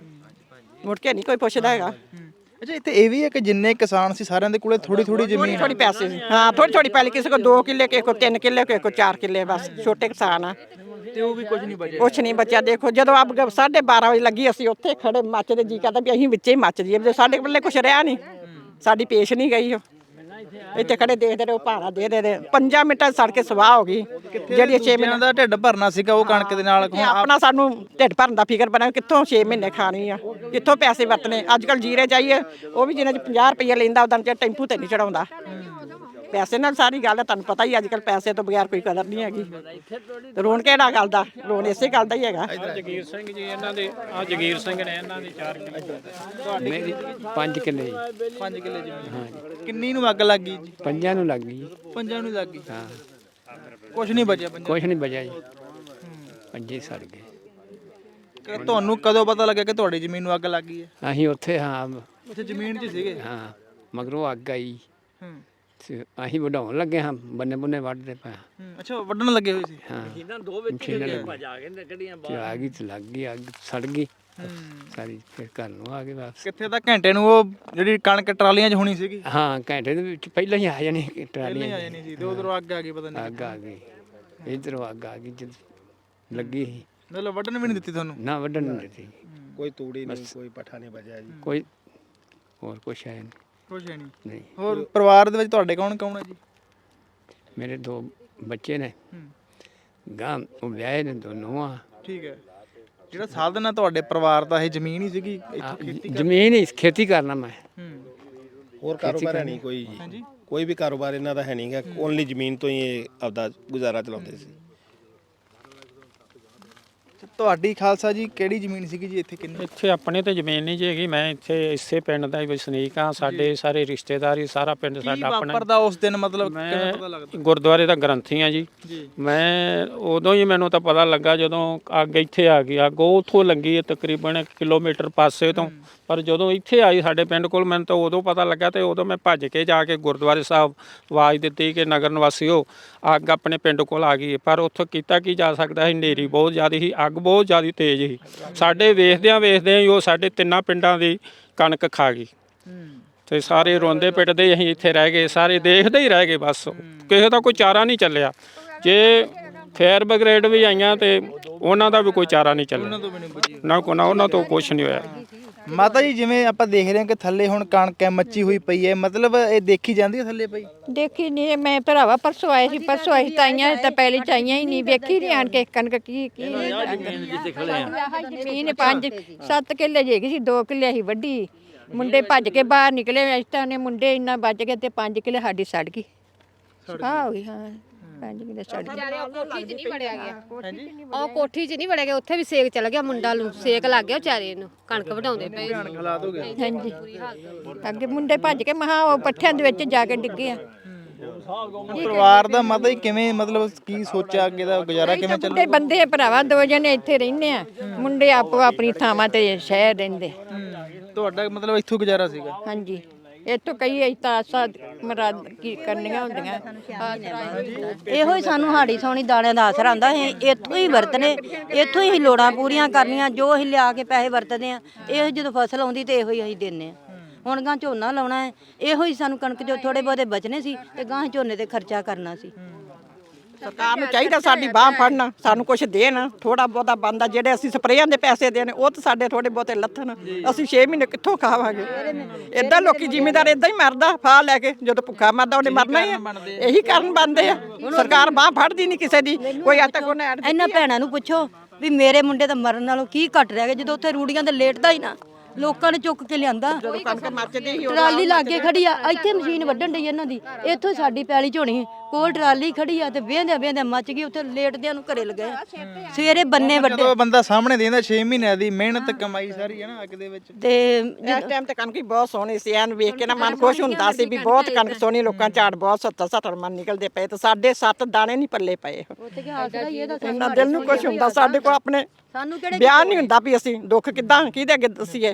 ਮੁੜ ਕੇ ਨਹੀਂ ਕੋਈ ਪੁੱਛਦਾ ਹੈਗਾ।
ਅੱਛਾ, ਇੱਥੇ ਇਹ ਵੀ ਹੈ ਕਿ ਜਿੰਨੇ ਕਿਸਾਨ ਸੀ ਸਾਰਿਆਂ ਦੇ ਕੋਲੇ ਥੋੜੀ ਥੋੜੀ ਜ਼ਮੀਨ।
ਥੋੜੀ ਪੈਸੇ ਸੀ, ਹਾਂ ਥੋੜੀ ਥੋੜੀ ਪਹਿਲੇ ਕਿਸੇ ਕੋ ਦੋ ਕਿੱਲੇ, ਕਿਸੇ ਕੋ ਤਿੰਨ ਕਿੱਲੇ, ਕਿਸੇ ਕੋ ਚਾਰ ਕਿੱਲੇ, ਬਸ ਛੋਟੇ ਕਿਸਾਨ ਆ।
ਤੇ ਉਹ ਵੀ ਕੁਝ ਨਹੀਂ ਬਚਿਆ।
ਕੁਛ ਨਹੀਂ ਬਚਿਆ। ਦੇਖੋ ਜਦੋਂ ਆਪ ਸਾਢੇ ਬਾਰਾਂ ਵਜੇ ਲੱਗੀ, ਅਸੀਂ ਉੱਥੇ ਖੜੇ ਮੱਚਦੇ, ਜੀ ਕਰਦਾ ਵੀ ਅਸੀਂ ਵਿੱਚੇ ਹੀ ਮੱਚ ਜੀਏ। ਜਦੋਂ ਸਾਡੇ ਕੋਲੇ ਕੁਛ ਰਿਹਾ ਨਹੀਂ, ਸਾਡੀ ਪੇਸ਼ ਨਹੀਂ ਗਈ। ਉਹ ਇੱਥੇ ਖੜੇ ਦੇਖਦੇ ਰਹੇ, ਉਹ ਭਾਣਾ ਦੇ ਦੇ ਦੇ ਪੰਜਾਂ ਮਿੰਟਾਂ 'ਚ ਸੜ ਕੇ ਸਵਾਹ ਹੋ ਗਈ। ਜਿਹੜੀ ਛੇ ਮਹੀਨੇ
ਦਾ ਢਿੱਡ ਭਰਨਾ ਸੀਗਾ ਉਹ ਕਣਕ ਦੇ ਨਾਲ।
ਇਹ ਆਪਣਾ ਸਾਨੂੰ ਢਿੱਡ ਭਰਨ ਦਾ ਫਿਕਰ ਬਣਿਆ, ਕਿੱਥੋਂ ਛੇ ਮਹੀਨੇ ਖਾਣੀ ਆ, ਕਿੱਥੋਂ ਪੈਸੇ ਵਰਤਨੇ। ਅੱਜ ਕੱਲ ਜੀਰੇ ਜਾਈਏ, ਉਹ ਵੀ ਜਿਹਨਾਂ 'ਚ ਪੰਜਾਹ ਰੁਪਏ ਲੈਂਦਾ ਉਦੋਂ ਚ ਟੈਂਪੂ ਤੇ ਨਹੀਂ ਚੜਾਉਂਦਾ। ਪੈਸੇ ਨਾਲ ਸਾਰੀ ਗੱਲ ਹੈ, ਤੁਹਾਨੂੰ ਪਤਾ ਹੀ ਅੱਜ ਕੱਲ ਪੈਸੇ ਤੋਂ ਬਗੈਰ ਕੋਈ ਕਦਰ ਨਹੀਂ ਹੈਗੀ। ਰੋਣ ਕਿਹੜਾ ਗੱਲ ਦਾ, ਰੋਣ ਇਸੇ ਗੱਲ ਦਾ ਹੀ ਹੈਗਾ।
ਜਗੀਰ ਸਿੰਘ ਜੀ ਇਹਨਾਂ ਦੇ, ਆ ਜਗੀਰ ਸਿੰਘ ਨੇ, ਇਹਨਾਂ ਦੇ ਚਾਰ ਕਿੱਲੇ, ਮੇਰੀ ਪੰਜ ਕਿੱਲੇ ਜੀ।
ਪੰਜ ਕਿੱਲੇ ਜ਼ਮੀਨ। ਹਾਂ। ਕਿੰਨੀ ਨੂੰ ਅੱਗ ਲੱਗ ਗਈ ਜੀ?
ਪੰਜਾਂ ਨੂੰ ਲੱਗ ਗਈ।
ਪੰਜਾਂ ਨੂੰ ਲੱਗ ਗਈ।
ਹਾਂ,
ਕੁਝ ਨਹੀਂ ਬਚਿਆ ਪੰਜਾਂ?
ਕੁਛ ਨਹੀਂ ਬਚਿਆ ਜੀ, ਪੰਜੇ ਸੜ ਗਏ।
ਕਿ ਤੁਹਾਨੂੰ ਕਦੋਂ ਪਤਾ ਲੱਗਿਆ ਕਿ ਤੁਹਾਡੀ ਜ਼ਮੀਨ ਨੂੰ ਅੱਗ ਲੱਗ ਗਈ ਹੈ?
ਅਸੀਂ ਉੱਥੇ, ਹਾਂ
ਉੱਥੇ ਜ਼ਮੀਨ 'ਚ ਸੀਗੇ?
ਹਾਂ, ਮਗਰੋਂ ਅੱਗ ਆਈ
ਹੂੰ।
ਤੇ ਅਸੀਂ ਵਢਾਉਣ ਲੱਗੇ ਹਾਂ, ਬੰਨੇ ਬੰਨੇ ਵੱਢਦੇ ਪਏ।
ਹੂੰ, ਅੱਛਾ ਵੱਢਣ ਲੱਗੇ ਹੋਏ ਸੀ।
ਹਾਂ,
ਮਸ਼ੀਨਾਂ ਦੋ ਵਿੱਚ ਭਜਾ ਕੇ ਕੱਢੀਆਂ
ਤੇ ਆ ਗਈ ਤੇ ਲੱਗ ਗਈ ਅੱਗ, ਸੜ ਗਈ
ਹੂੰ।
ਸਾਰੀ। ਫਿਰ ਘਰ ਨੂੰ ਆ ਗਏ ਵਾਪਸ।
ਕਿੱਥੇ ਤਾਂ ਘੰਟੇ ਨੂੰ ਉਹ ਜਿਹੜੀ ਕਣਕ ਟਰਾਲੀਆਂ 'ਚ ਹੋਣੀ ਸੀਗੀ,
ਹਾਂ, ਘੰਟੇ ਦੇ ਵਿੱਚ ਪਹਿਲਾਂ ਹੀ ਆ ਜਾਣੀ
ਪਹਿਲਾਂ ਹੀ
ਟਰਾਲੀਆਂ
ਆ ਜਾਣੀ ਸੀ ਤੇ ਉਧਰੋਂ ਅੱਗ ਆ ਗਈ ਪਤਾ ਨਹੀਂ।
ਅੱਗ ਆ ਗਈ, ਇਧਰੋਂ ਅੱਗ ਆ ਗਈ, ਜਦ ਲੱਗੀ ਸੀ।
ਮਤਲਬ ਵੱਢਣ ਵੀ ਨਹੀਂ ਦਿੱਤੀ ਤੁਹਾਨੂੰ?
ਨਾ ਵੱਢਣ ਨਹੀਂ ਦਿੱਤੀ।
ਕੋਈ ਤੂੜੀ ਨਹੀਂ, ਕੋਈ ਪੱਠਾ ਨਹੀਂ ਬਚਿਆ ਜੀ।
ਕੋਈ ਹੋਰ ਕੁਛ ਹੈ ਨਹੀਂ।
ਕੁਛ ਹੈ ਨਹੀਂ।
ਨਹੀਂ,
ਹੋਰ ਪਰਿਵਾਰ ਦੇ ਵਿੱਚ ਤੁਹਾਡੇ ਕੌਣ ਕੌਣ ਹੈ ਜੀ?
ਮੇਰੇ ਦੋ ਬੱਚੇ ਨੇ,
ਹੂੰ।
ਗਾਂ ਉਹ ਵਿਆਹੇ ਨੇ, ਦੋਨੋਂ ਆ।
ਠੀਕ ਹੈ। ਜਿਹੜਾ ਸਾਧਨ ਆ ਤੁਹਾਡੇ ਪਰਿਵਾਰ ਦਾ ਇਹ ਜ਼ਮੀਨ ਹੀ ਸੀਗੀ ਇੱਥੋਂ ਖੇਤੀ?
ਜ਼ਮੀਨ ਹੀ ਖੇਤੀ ਕਰਨਾ ਮੈਂ।
ਹੂੰ।
ਹੋਰ ਕਾਰੋਬਾਰ ਹੈ ਨਹੀਂ ਕੋਈ ਜੀ।
ਹਾਂਜੀ।
ਕੋਈ ਵੀ ਕਾਰੋਬਾਰ ਇਹਨਾਂ ਦਾ ਹੈ ਨਹੀਂਗਾ, ਓਨਲੀ ਜ਼ਮੀਨ ਤੋਂ ਹੀ ਇਹ ਆਪਦਾ ਗੁਜ਼ਾਰਾ ਚਲਾਉਂਦੇ ਸੀ।
ਤੁਹਾਡੀ ਖਾਲਸਾ ਜੀ ਕਿਹੜੀ ਜ਼ਮੀਨ ਸੀਗੀ ਜੀ ਇੱਥੇ? ਕਿੰਨੀ?
ਇੱਥੇ ਆਪਣੇ ਤੇ ਜ਼ਮੀਨ ਨਹੀਂ ਜੀ ਹੈਗੀ। ਮੈਂ ਇੱਥੇ ਇਸੇ ਪਿੰਡ ਦਾ ਹੀ ਵਸਨੀਕ ਹਾਂ। ਸਾਡੇ ਸਾਰੇ ਰਿਸ਼ਤੇਦਾਰੀ, ਸਾਰਾ ਪਿੰਡ
ਕੀ
ਸਾਡਾ ਆਪਣਾ।
ਵਾਪਰਦਾ ਉਸ ਦਿਨ, ਮਤਲਬ ਕਿਵੇਂ ਪਤਾ
ਮੈਂ
ਲੱਗਦਾ?
ਗੁਰਦੁਆਰੇ ਦਾ ਗ੍ਰੰਥੀ ਹਾਂ ਜੀ।
ਜੀ।
ਮੈਂ ਉਦੋਂ ਹੀ, ਮੈਨੂੰ ਤਾਂ ਪਤਾ ਲੱਗਾ ਜਦੋਂ ਅੱਗ ਇੱਥੇ ਆ ਗਈ। ਅੱਗ ਉੱਥੋਂ ਲੱਗੀ ਹੈ ਤਕਰੀਬਨ ਇੱਕ ਕਿਲੋਮੀਟਰ ਪਾਸੇ ਤੋਂ, ਪਰ ਜਦੋਂ ਇੱਥੇ ਆਈ ਸਾਡੇ ਪਿੰਡ ਕੋਲ, ਮੈਨੂੰ ਤਾਂ ਉਦੋਂ ਪਤਾ ਲੱਗਾ। ਤੇ ਉਦੋਂ ਮੈਂ ਭੱਜ ਕੇ ਜਾ ਕੇ ਗੁਰਦੁਆਰੇ ਸਾਹਿਬ ਆਵਾਜ਼ ਦਿੱਤੀ ਕਿ ਨਗਰ ਨਿਵਾਸੀਓ, ਅੱਗ ਆਪਣੇ ਪਿੰਡ ਕੋਲ ਆ ਗਈ। ਪਰ ਉੱਥੋਂ ਕੀਤਾ ਕੀ ਜਾ ਸਕਦਾ ਸੀ, ਹਨੇਰੀ ਬਹੁਤ ਜ਼ਿਆਦਾ ਸੀ, ਅੱਗ ਬਹੁਤ ਜ਼ਿਆਦਾ ਤੇਜ਼ ਸੀ। ਸਾਡੇ ਵੇਖਦਿਆਂ ਵੇਖਦਿਆਂ ਹੀ ਉਹ ਸਾਡੇ ਤਿੰਨਾਂ ਪਿੰਡਾਂ ਦੀ ਕਣਕ ਖਾ ਗਈ। ਤੇ ਸਾਰੇ ਰੋਂਦੇ ਪਿੱਟਦੇ ਅਸੀਂ ਇੱਥੇ ਰਹਿ ਗਏ, ਸਾਰੇ ਦੇਖਦੇ ਹੀ ਰਹਿ ਗਏ ਬਸ। ਕਿਸੇ ਦਾ ਕੋਈ ਚਾਰਾ ਨਹੀਂ ਚੱਲਿਆ। ਜੇ ਫਾਇਰ ਬ੍ਰਿਗੇਡ ਵੀ ਆਈਆਂ ਤੇ ਉਹਨਾਂ ਦਾ ਵੀ ਕੋਈ ਚਾਰਾ ਨਹੀਂ ਚੱਲਿਆ। ਨਾ ਕੋ ਨਾ ਉਹਨਾਂ ਤੋਂ ਕੁਝ ਨਹੀਂ ਹੋਇਆ।
ਮਾਤਾ ਜੀ, ਜਿਵੇਂ ਆਪਾਂ ਦੇਖ ਰਹੇ ਹਾਂ ਕਿ ਥੱਲੇ ਹੁਣ ਕਣਕ ਹੈ, ਮੱਚੀ ਹੋਈ ਪਈ ਹੈ, ਮਤਲਬ ਇਹ ਦੇਖੀ ਜਾਂਦੀ ਹੈ ਥੱਲੇ ਪਈ?
ਦੇਖੀ ਨਹੀਂ ਮੈਂ ਭਰਾਵਾ, ਪਰਸੋਂ ਆਏ ਸੀ, ਪਰਸੋਂ ਆਈ ਤਾਈਆਂ ਤਾਂ ਪਹਿਲੇ ਚਾਈਆਂ ਹੀ ਨਹੀਂ, ਵੇਖੀ ਨਹੀਂ ਆਣ ਕੇ ਕਣਕ ਕੀ ਕੀ
ਜਿੱਥੇ ਖੜੇ ਆ।
ਜ਼ਮੀਨ ਪੰਜ ਸੱਤ ਕਿੱਲੇ ਜੇਗੀ ਸੀ, ਦੋ ਕਿੱਲੇ ਸੀ ਵੱਡੀ। ਮੁੰਡੇ ਭੱਜ ਕੇ ਬਾਹਰ ਨਿਕਲੇ, ਇਸ ਤਰ੍ਹਾਂ ਨੇ ਮੁੰਡੇ ਇੰਨਾ ਬਚ ਗਏ ਤੇ ਪੰਜ ਕਿੱਲੇ ਸਾਡੀ ਸੜ ਗਈ। ਹਾਂ ਹੋਈ, ਹਾਂ ਪੰਜ ਕਿੱਲੇ ਸੜ ਗਏ।
ਵਿਚਾਰੇ ਉਹ ਕੋਠੀ 'ਚ ਨਹੀਂ ਵੜਿਆ ਗਿਆ। ਉਹ ਕੋਠੀ 'ਚ ਨਹੀਂ ਵੜਿਆ ਗਿਆ, ਉੱਥੇ ਵੀ ਸੇਕ ਚੱਲ ਗਿਆ, ਮੁੰਡਾ ਨੂੰ ਸੇਕ ਲੱਗ ਗਿਆ ਵਿਚਾਰੇ ਨੂੰ, ਕਣਕ ਵਢਾਉਂਦੇ ਪਏ।
ਹਾਲਾਤ ਹੋ ਗਏ।
ਹਾਂਜੀ, ਅੱਗੇ ਮੁੰਡੇ ਭੱਜ ਕੇ ਮਹਾ ਉਹ ਪੱਠਿਆਂ ਦੇ ਵਿੱਚ ਜਾ ਕੇ ਡਿੱਗੇ ਆ।
ਪਰਿਵਾਰ ਦਾ ਮਾਤਾ ਜੀ ਕਿਵੇਂ, ਮਤਲਬ ਕੀ ਸੋਚਿਆ ਅੱਗੇ ਦਾ ਗੁਜ਼ਾਰਾ ਕਿਵੇਂ ਚੱਲੂ?
ਮੁੰਡੇ ਬੰਦੇ ਭਰਾਵਾ ਦੋ ਜਣੇ ਇੱਥੇ ਰਹਿੰਦੇ ਆ, ਮੁੰਡੇ ਆਪੋ ਆਪਣੀ ਥਾਵਾਂ ਤੇ ਸ਼ਹਿਰ ਰਹਿੰਦੇ।
ਤੁਹਾਡਾ ਮਤਲਬ ਇੱਥੋਂ ਗੁਜ਼ਾਰਾ ਸੀਗਾ?
ਹਾਂਜੀ,
ਇੱਥੋਂ ਕਈ ਅਸੀਂ ਤਾਂ ਆਸਾਂ ਮਰਾਦ ਕੀ ਕਰਨੀਆਂ ਹੁੰਦੀਆਂ।
ਇਹੋ ਹੀ ਸਾਨੂੰ ਹਾੜੀ ਸੌਣੀ ਦਾਣਿਆਂ ਦਾ ਆਸਰਾ ਹੁੰਦਾ ਹੈ। ਇੱਥੋਂ ਹੀ ਵਰਤਨੇ, ਇੱਥੋਂ ਹੀ ਲੋੜਾਂ ਪੂਰੀਆਂ ਕਰਨੀਆਂ, ਜੋ ਅਸੀਂ ਲਿਆ ਕੇ ਪੈਸੇ ਵਰਤਦੇ ਆ। ਇਹ ਜਦੋਂ ਫਸਲ ਆਉਂਦੀ ਤੇ ਇਹੋ ਹੀ ਅਸੀਂ ਦਿੰਨੇ ਆ। ਹੁਣ ਗਾਂ ਝੋਨਾ ਲਾਉਣਾ ਹੈ, ਇਹੋ ਹੀ ਸਾਨੂੰ ਕਣਕ ਜੋ ਥੋੜੇ ਬਹੁਤੇ ਬਚਨੇ ਸੀ ਤੇ ਗਾਂ ਝੋਨੇ ਤੇ ਖਰਚਾ ਕਰਨਾ ਸੀ।
ਸਰਕਾਰ ਨੂੰ ਚਾਹੀਦਾ ਸਾਡੀ ਬਾਹ ਫੜਨਾ, ਸਾਨੂੰ ਕੁਝ ਦੇਣ, ਥੋੜਾ ਬਹੁਤਾ ਬੰਦਾ ਜਿਹੜੇ ਅਸੀਂ ਸਪਰੇਆਂ ਦੇ ਪੈਸੇ ਦੇਣੇ ਉਹ ਤਾਂ ਸਾਡੇ ਥੋੜੇ ਬਹੁਤੇ ਲੱਥਣ। ਅਸੀਂ ਛੇ ਮਹੀਨੇ ਕਿੱਥੋਂ ਖਾਵਾਂਗੇ? ਇਦਾਂ ਲੋਕੀ ਜ਼ਿਮੀਂਦਾਰ ਇਦਾਂ ਹੀ ਮਰਦਾ ਫਾਹ ਲੈ ਕੇ, ਜਦੋਂ ਭੁੱਖਾ ਮਰਦਾ ਉਹਨੇ ਮਰਨਾ ਹੀ ਆ। ਇਹੀ ਕਾਰਨ ਬਣਦੇ ਆ। ਸਰਕਾਰ ਬਾਹ ਫੜਦੀ ਨਹੀਂ ਕਿਸੇ ਦੀ, ਕੋਈ ਅੱਜ ਤੱਕ ਉਹਨੇ ਐਡ
ਇਹਨਾਂ ਭੈਣਾਂ ਨੂੰ ਪੁੱਛੋ ਵੀ ਮੇਰੇ ਮੁੰਡੇ ਦਾ ਮਰਨ ਨਾਲੋਂ ਕੀ ਘਟ ਰਿਹਾ ਗਿਆ, ਜਦੋਂ ਉੱਥੇ ਰੂੜੀਆਂ ਤੇ ਲੇਟਦਾ ਹੀ ਨਾ, ਲੋਕਾਂ ਨੇ ਚੁੱਕ ਕੇ ਲਿਆਂਦਾ।
ਕਣਕ ਮੱਚਦੀ ਹੀ
ਟਰਾਲੀ ਲਾਗੇ ਖੜੀ ਆ, ਇੱਥੇ ਮਸ਼ੀਨ ਵੱਢਣ ਡਈ ਇਹਨਾਂ ਦੀ, ਇੱਥੋਂ ਸਾਡੀ ਪੈਲੀ ਝੋਣੀ ਕੋਲ ਟਰਾਲੀ ਖੜੀ ਆ ਤੇ ਵੇਂਦਿਆਂ ਵੇਂਦਿਆਂ ਮੱਚ ਗਈ, ਉੱਥੇ ਲੇਟਦਿਆਂ ਨੂੰ ਘਰੇ ਲਗਾਏ। ਸਵੇਰੇ ਬੰਨੇ ਵੱਡੇ
ਜਦੋਂ ਬੰਦਾ ਸਾਹਮਣੇ ਦੇਂਦਾ ਛੇ ਮਹੀਨਿਆਂ ਦੀ ਮਿਹਨਤ ਕਮਾਈ ਸਾਰੀ ਹੈ ਨਾ ਅੱਗ ਦੇ ਵਿੱਚ।
ਤੇ
ਇਸ ਟਾਈਮ ਤੇ ਕਣਕ ਹੀ ਬਹੁਤ ਸੋਹਣੀ ਸੀ, ਐਨ ਵੇਖ ਕੇ ਨਾ ਮਨ ਖੁਸ਼ ਹੁੰਦਾ ਸੀ ਵੀ ਬਹੁਤ ਕਣਕ ਸੋਹਣੀ, ਲੋਕਾਂ ਝਾੜ ਬਹੁਤ ਸੱਤਰ ਸੱਤਰ ਮਨ ਨਿਕਲਦੇ ਪਏ ਤੇ ਸਾਡੇ ਸੱਤ ਦਾਣੇ ਨਹੀਂ ਪੱਲੇ ਪਏ।
ਉੱਥੇ ਕੀ ਆਸਰਾ ਹੀ ਇਹਦਾ
ਇੰਨਾ ਦਿਲ ਨੂੰ ਕੁਛ ਹੁੰਦਾ, ਸਾਡੇ ਕੋਲ ਆਪਣੇ
ਸਾਨੂੰ ਕਿਹੜੇ
ਬਿਆਨ ਨਹੀਂ ਹੁੰਦਾ ਵੀ ਅਸੀਂ ਦੁੱਖ ਕਿੱਦਾਂ ਕਿਹਦੇ ਅੱਗੇ ਦੱਸੀਏ।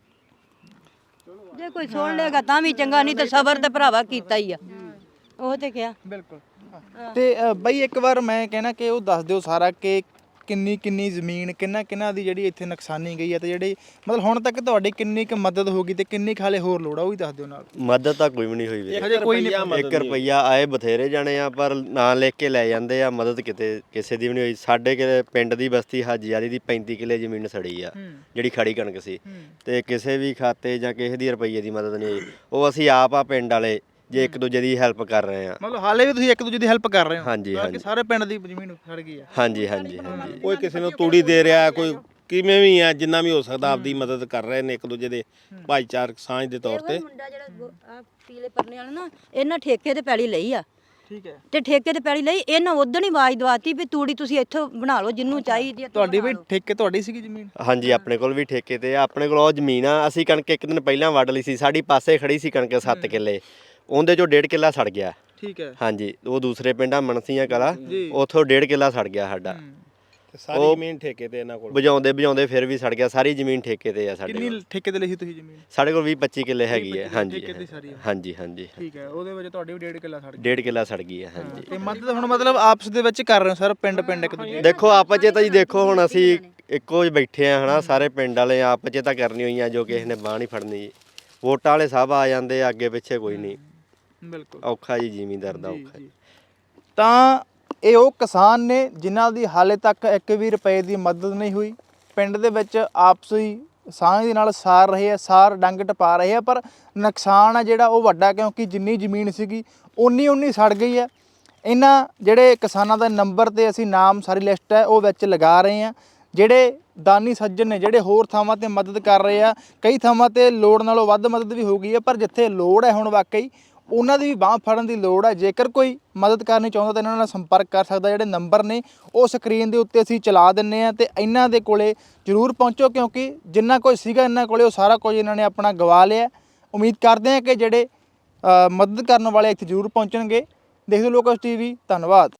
ਜੇ ਕੋਈ ਸੁਣ ਲੇਗਾ ਤਾਂ ਵੀ ਚੰਗਾ, ਨਹੀਂ ਤਾਂ ਸਬਰ ਤੇ ਭਰਾਵਾ ਕੀਤਾ ਹੀ ਆ। ਉਹ ਤੇ ਕਿਹਾ
ਬਿਲਕੁਲ। ਤੇ ਅ, ਬਈ ਇੱਕ ਵਾਰ ਮੈਂ ਕਹਿਣਾ ਕਿ ਉਹ ਦੱਸ ਦਿਓ ਸਾਰਾ ਕਿ ਕਿੰਨੀ ਕਿੰਨੀ ਜ਼ਮੀਨ ਕਿੰਨਾ ਕਿੰਨਾ ਦੀ ਜਿਹੜੀ ਇੱਥੇ ਨੁਕਸਾਨੀ ਗਈ ਹੈ ਤੇ ਜਿਹੜੀ ਮਤਲਬ ਹੁਣ ਤੱਕ ਤੁਹਾਡੀ ਕਿੰਨੀ ਕੁ ਮਦਦ ਹੋ ਗਈ ਤੇ ਕਿੰਨੀ ਕੁ ਹਾਲੇ ਹੋਰ ਲੋੜ ਆ ਉਹ ਵੀ ਦੱਸ ਦਿਓ ਨਾਲ।
ਮਦਦ ਤਾਂ ਕੋਈ ਵੀ ਨਹੀਂ ਹੋਈ ਵੀਰੇ।
ਹਜੇ ਕੋਈ ਨਹੀਂ।
ਇੱਕ ਰੁਪਈਆ ਆਏ ਬਥੇਰੇ ਜਾਣੇ ਆ ਪਰ ਨਾਂ ਲਿਖ ਕੇ ਲੈ ਜਾਂਦੇ ਆ, ਮਦਦ ਕਿਤੇ ਕਿਸੇ ਦੀ ਵੀ ਨਹੀਂ ਹੋਈ। ਸਾਡੇ ਕਿ ਪਿੰਡ ਦੀ ਬਸਤੀ ਹਾਜੀ ਵਾਲੀ ਦੀ ਪੈਂਤੀ ਕਿੱਲੇ ਜ਼ਮੀਨ ਸੜੀ ਆ, ਜਿਹੜੀ ਖੜੀ ਕਣਕ ਸੀ, ਤੇ ਕਿਸੇ ਵੀ ਖਾਤੇ ਜਾਂ ਕਿਸੇ ਦੀ ਰੁਪਈਏ ਦੀ ਮਦਦ ਨਹੀਂ ਹੋਈ। ਉਹ ਅਸੀਂ ਆਪ ਆ ਪਿੰਡ ਵਾਲੇ ਜੇ ਇੱਕ ਦੂਜੇ ਦੀ ਹੈਲਪ ਕਰ ਰਹੇ ਆ।
ਮਤਲਬ ਹਾਲੇ ਵੀ ਤੁਸੀਂ ਇੱਕ ਦੂਜੇ ਦੀ ਹੈਲਪ ਕਰ ਰਹੇ ਹੋ?
ਹਾਂਜੀ ਹਾਂਜੀ
ਸਾਰੇ ਪਿੰਡ ਦੀ ਜ਼ਮੀਨ ਸੜ ਗਈ ਆ।
ਹਾਂਜੀ ਹਾਂਜੀ ਹਾਂਜੀ।
ਕੋਈ ਕਿਸੇ ਨੂੰ ਤੂੜੀ ਦੇ ਰਿਹਾ, ਕੋਈ ਕਿਵੇਂ ਵੀ ਆ, ਜਿੰਨਾ ਵੀ ਹੋ ਸਕਦਾ ਆਪਦੀ ਮਦਦ ਕਰ ਰਹੇ ਨੇ ਇੱਕ ਦੂਜੇ ਦੇ ਭਾਈਚਾਰਕ ਸਾਂਝ ਦੇ ਤੌਰ ਤੇ।
ਮੁੰਡਾ ਜਿਹੜਾ ਆ ਪੀਲੇ ਪਰਨੇ ਵਾਲਾ ਨਾ, ਇਹਨਾਂ ਠੇਕੇ ਤੇ ਪੈਲੀ ਲਈ ਆ।
ਠੀਕ ਹੈ।
ਤੇ ਠੇਕੇ ਤੇ ਪੈਲੀ ਲਈ, ਇਹਨਾਂ ਉਦੋਂ ਹੀ ਆਵਾਜ਼ ਦਵਾਤੀ ਵੀ ਤੂੜੀ ਤੁਸੀਂ ਇੱਥੋਂ ਬਣਾ ਲਓ ਜਿੰਨੂੰ ਚਾਹੀਦੀ ਆ।
ਤੁਹਾਡੀ ਵੀ ਠੇਕੇ ਤੁਹਾਡੀ ਸੀਗੀ ਜ਼ਮੀਨ?
ਹਾਂਜੀ ਆਪਣੇ ਕੋਲ ਵੀ ਠੇਕੇ ਤੇ ਆ, ਆਪਣੇ ਕੋਲ ਉਹ ਜ਼ਮੀਨ ਆ। ਅਸੀਂ ਕਣਕ ਇੱਕ ਦਿਨ ਪਹਿਲਾਂ ਵੱਢ ਲਈ ਸੀ, ਸਾਡੀ ਪਾਸੇ ਖੜੀ ਸੀ ਕਣਕ ਸੱਤ ਕਿੱਲੇ, ਉਹਦੇ ਚੋਂ ਡੇਢ ਕਿੱਲਾ ਸੜ ਗਿਆ।
ਠੀਕ ਹੈ।
ਹਾਂਜੀ ਉਹ ਦੂਸਰੇ ਪਿੰਡਾਂ ਮਨਸੀਆਂ ਕਲਾ, ਉੱਥੋਂ ਡੇਢ ਕਿੱਲਾ ਸੜ ਗਿਆ ਸਾਡਾ।
ਤੇ ਸਾਰੀ ਜ਼ਮੀਨ ਠੇਕੇ ਤੇ ਇਹਨਾਂ ਕੋਲ
ਵਜਾਉਂਦੇ ਵਜਾਉਂਦੇ ਫਿਰ ਵੀ ਸੜ ਗਿਆ। ਸਾਰੀ ਜ਼ਮੀਨ ਠੇਕੇ ਤੇ ਆ ਸਾਡੇ ਕੋਲ।
ਕਿੰਨੀ ਠੇਕੇ ਤੇ ਲਈ ਸੀ ਤੁਸੀਂ ਜ਼ਮੀਨ?
ਸਾਡੇ ਕੋਲ ਵੀਹ ਪੱਚੀ ਕਿੱਲੇ ਹੈਗੀ ਹੈ। ਹਾਂਜੀ
ਠੇਕੇ ਦੀ ਸਾਰੀ?
ਹਾਂਜੀ ਹਾਂਜੀ
ਠੀਕ ਹੈ। ਉਹਦੇ ਵਿੱਚ ਤੁਹਾਡੀ ਵੀ ਡੇਢ ਕਿੱਲਾ ਸੜ ਗਿਆ?
ਡੇਢ ਕਿੱਲਾ ਸੜ ਗਈ ਹੈ। ਹਾਂਜੀ।
ਤੇ ਮਦਦ ਹੁਣ ਮਤਲਬ ਆਪਸ ਦੇ ਵਿੱਚ ਕਰ ਰਹੇ ਹੋ ਸਰ, ਪਿੰਡ ਪਿੰਡ ਇੱਕ ਦੂਜੇ?
ਦੇਖੋ ਆਪਸ 'ਚ ਤਾਂ ਜੀ ਦੇਖੋ ਹੁਣ ਅਸੀਂ ਇੱਕੋ ਹੀ ਬੈਠੇ ਆ ਹਨਾ, ਸਾਰੇ ਪਿੰਡ ਵਾਲੇ ਆਪਸ 'ਚ ਤਾਂ ਕਰਨੀ ਹੋਈਆਂ ਜੋ ਕਿਸੇ ਨੇ ਬਾਂਹ ਨਹੀਂ ਫੜਨੀ ਜੀ। ਵੋਟਾਂ ਵਾਲੇ ਸਭ ਆ ਜਾਂਦੇ ਆ, ਅੱਗੇ ਪਿੱਛੇ ਕੋਈ ਨਹੀਂ।
ਬਿਲਕੁਲ
ਔਖਾ ਜੀ ਜ਼ਿਮੀਂਦਾਰ ਦਾ ਔਖਾ।
ਤਾਂ ਇਹ ਉਹ ਕਿਸਾਨ ਨੇ ਜਿਨ੍ਹਾਂ ਦੀ ਹਾਲੇ ਤੱਕ ਇੱਕ ਵੀ ਰੁਪਏ ਦੀ ਮਦਦ ਨਹੀਂ ਹੋਈ। ਪਿੰਡ ਦੇ ਵਿੱਚ ਆਪਸੀ ਸਾਂਝ ਦੇ ਨਾਲ ਸਾਰ ਰਹੇ ਆ, ਸਾਰ ਡੰਗ ਟਪਾ ਰਹੇ ਆ, ਪਰ ਨੁਕਸਾਨ ਆ ਜਿਹੜਾ ਉਹ ਵੱਡਾ, ਕਿਉਂਕਿ ਜਿੰਨੀ ਜ਼ਮੀਨ ਸੀਗੀ ਉਨੀ ਉਨੀ ਸੜ ਗਈ ਹੈ। ਇਹਨਾਂ ਜਿਹੜੇ ਕਿਸਾਨਾਂ ਦਾ ਨੰਬਰ ਤੇ ਅਸੀਂ ਨਾਮ ਸਾਰੀ ਲਿਸਟ ਹੈ ਉਹ ਵਿੱਚ ਲਗਾ ਰਹੇ ਆ। ਜਿਹੜੇ ਦਾਨੀ ਸੱਜਣ ਨੇ, ਜਿਹੜੇ ਹੋਰ ਥਾਵਾਂ ਤੇ ਮਦਦ ਕਰ ਰਹੇ ਆ, ਕਈ ਥਾਵਾਂ ਤੇ ਲੋੜ ਨਾਲੋਂ ਵੱਧ ਮਦਦ ਵੀ ਹੋ ਗਈ ਹੈ, ਪਰ ਜਿੱਥੇ ਲੋੜ ਹੈ ਹੁਣ ਵਾਕਈ ਉਹਨਾਂ ਦੀ ਵੀ ਬਾਂਹ ਫੜਨ ਦੀ ਲੋੜ ਹੈ। ਜੇਕਰ ਕੋਈ ਮਦਦ ਕਰਨੀ ਚਾਹੁੰਦਾ ਤਾਂ ਇਹਨਾਂ ਨਾਲ ਸੰਪਰਕ ਕਰ ਸਕਦਾ। ਜਿਹੜੇ ਨੰਬਰ ਨੇ ਉਹ ਸਕਰੀਨ ਦੇ ਉੱਤੇ ਅਸੀਂ ਚਲਾ ਦਿੰਨੇ ਆ, ਤੇ ਇਹਨਾਂ ਦੇ ਕੋਲੇ ਜ਼ਰੂਰ ਪਹੁੰਚੋ, ਕਿਉਂਕਿ ਜਿੰਨਾ ਕੁਝ ਸੀਗਾ ਇਹਨਾਂ ਕੋਲੇ ਉਹ ਸਾਰਾ ਕੁਝ ਇਹਨਾਂ ਨੇ ਆਪਣਾ ਗਵਾ ਲਿਆ। ਉਮੀਦ ਕਰਦੇ ਹਾਂ ਕਿ ਜਿਹੜੇ ਮਦਦ ਕਰਨ ਵਾਲੇ ਇੱਥੇ ਜ਼ਰੂਰ ਪਹੁੰਚਣਗੇ। ਦੇਖਦੇ ਲੋਕਸ ਟੀਵੀ, ਧੰਨਵਾਦ।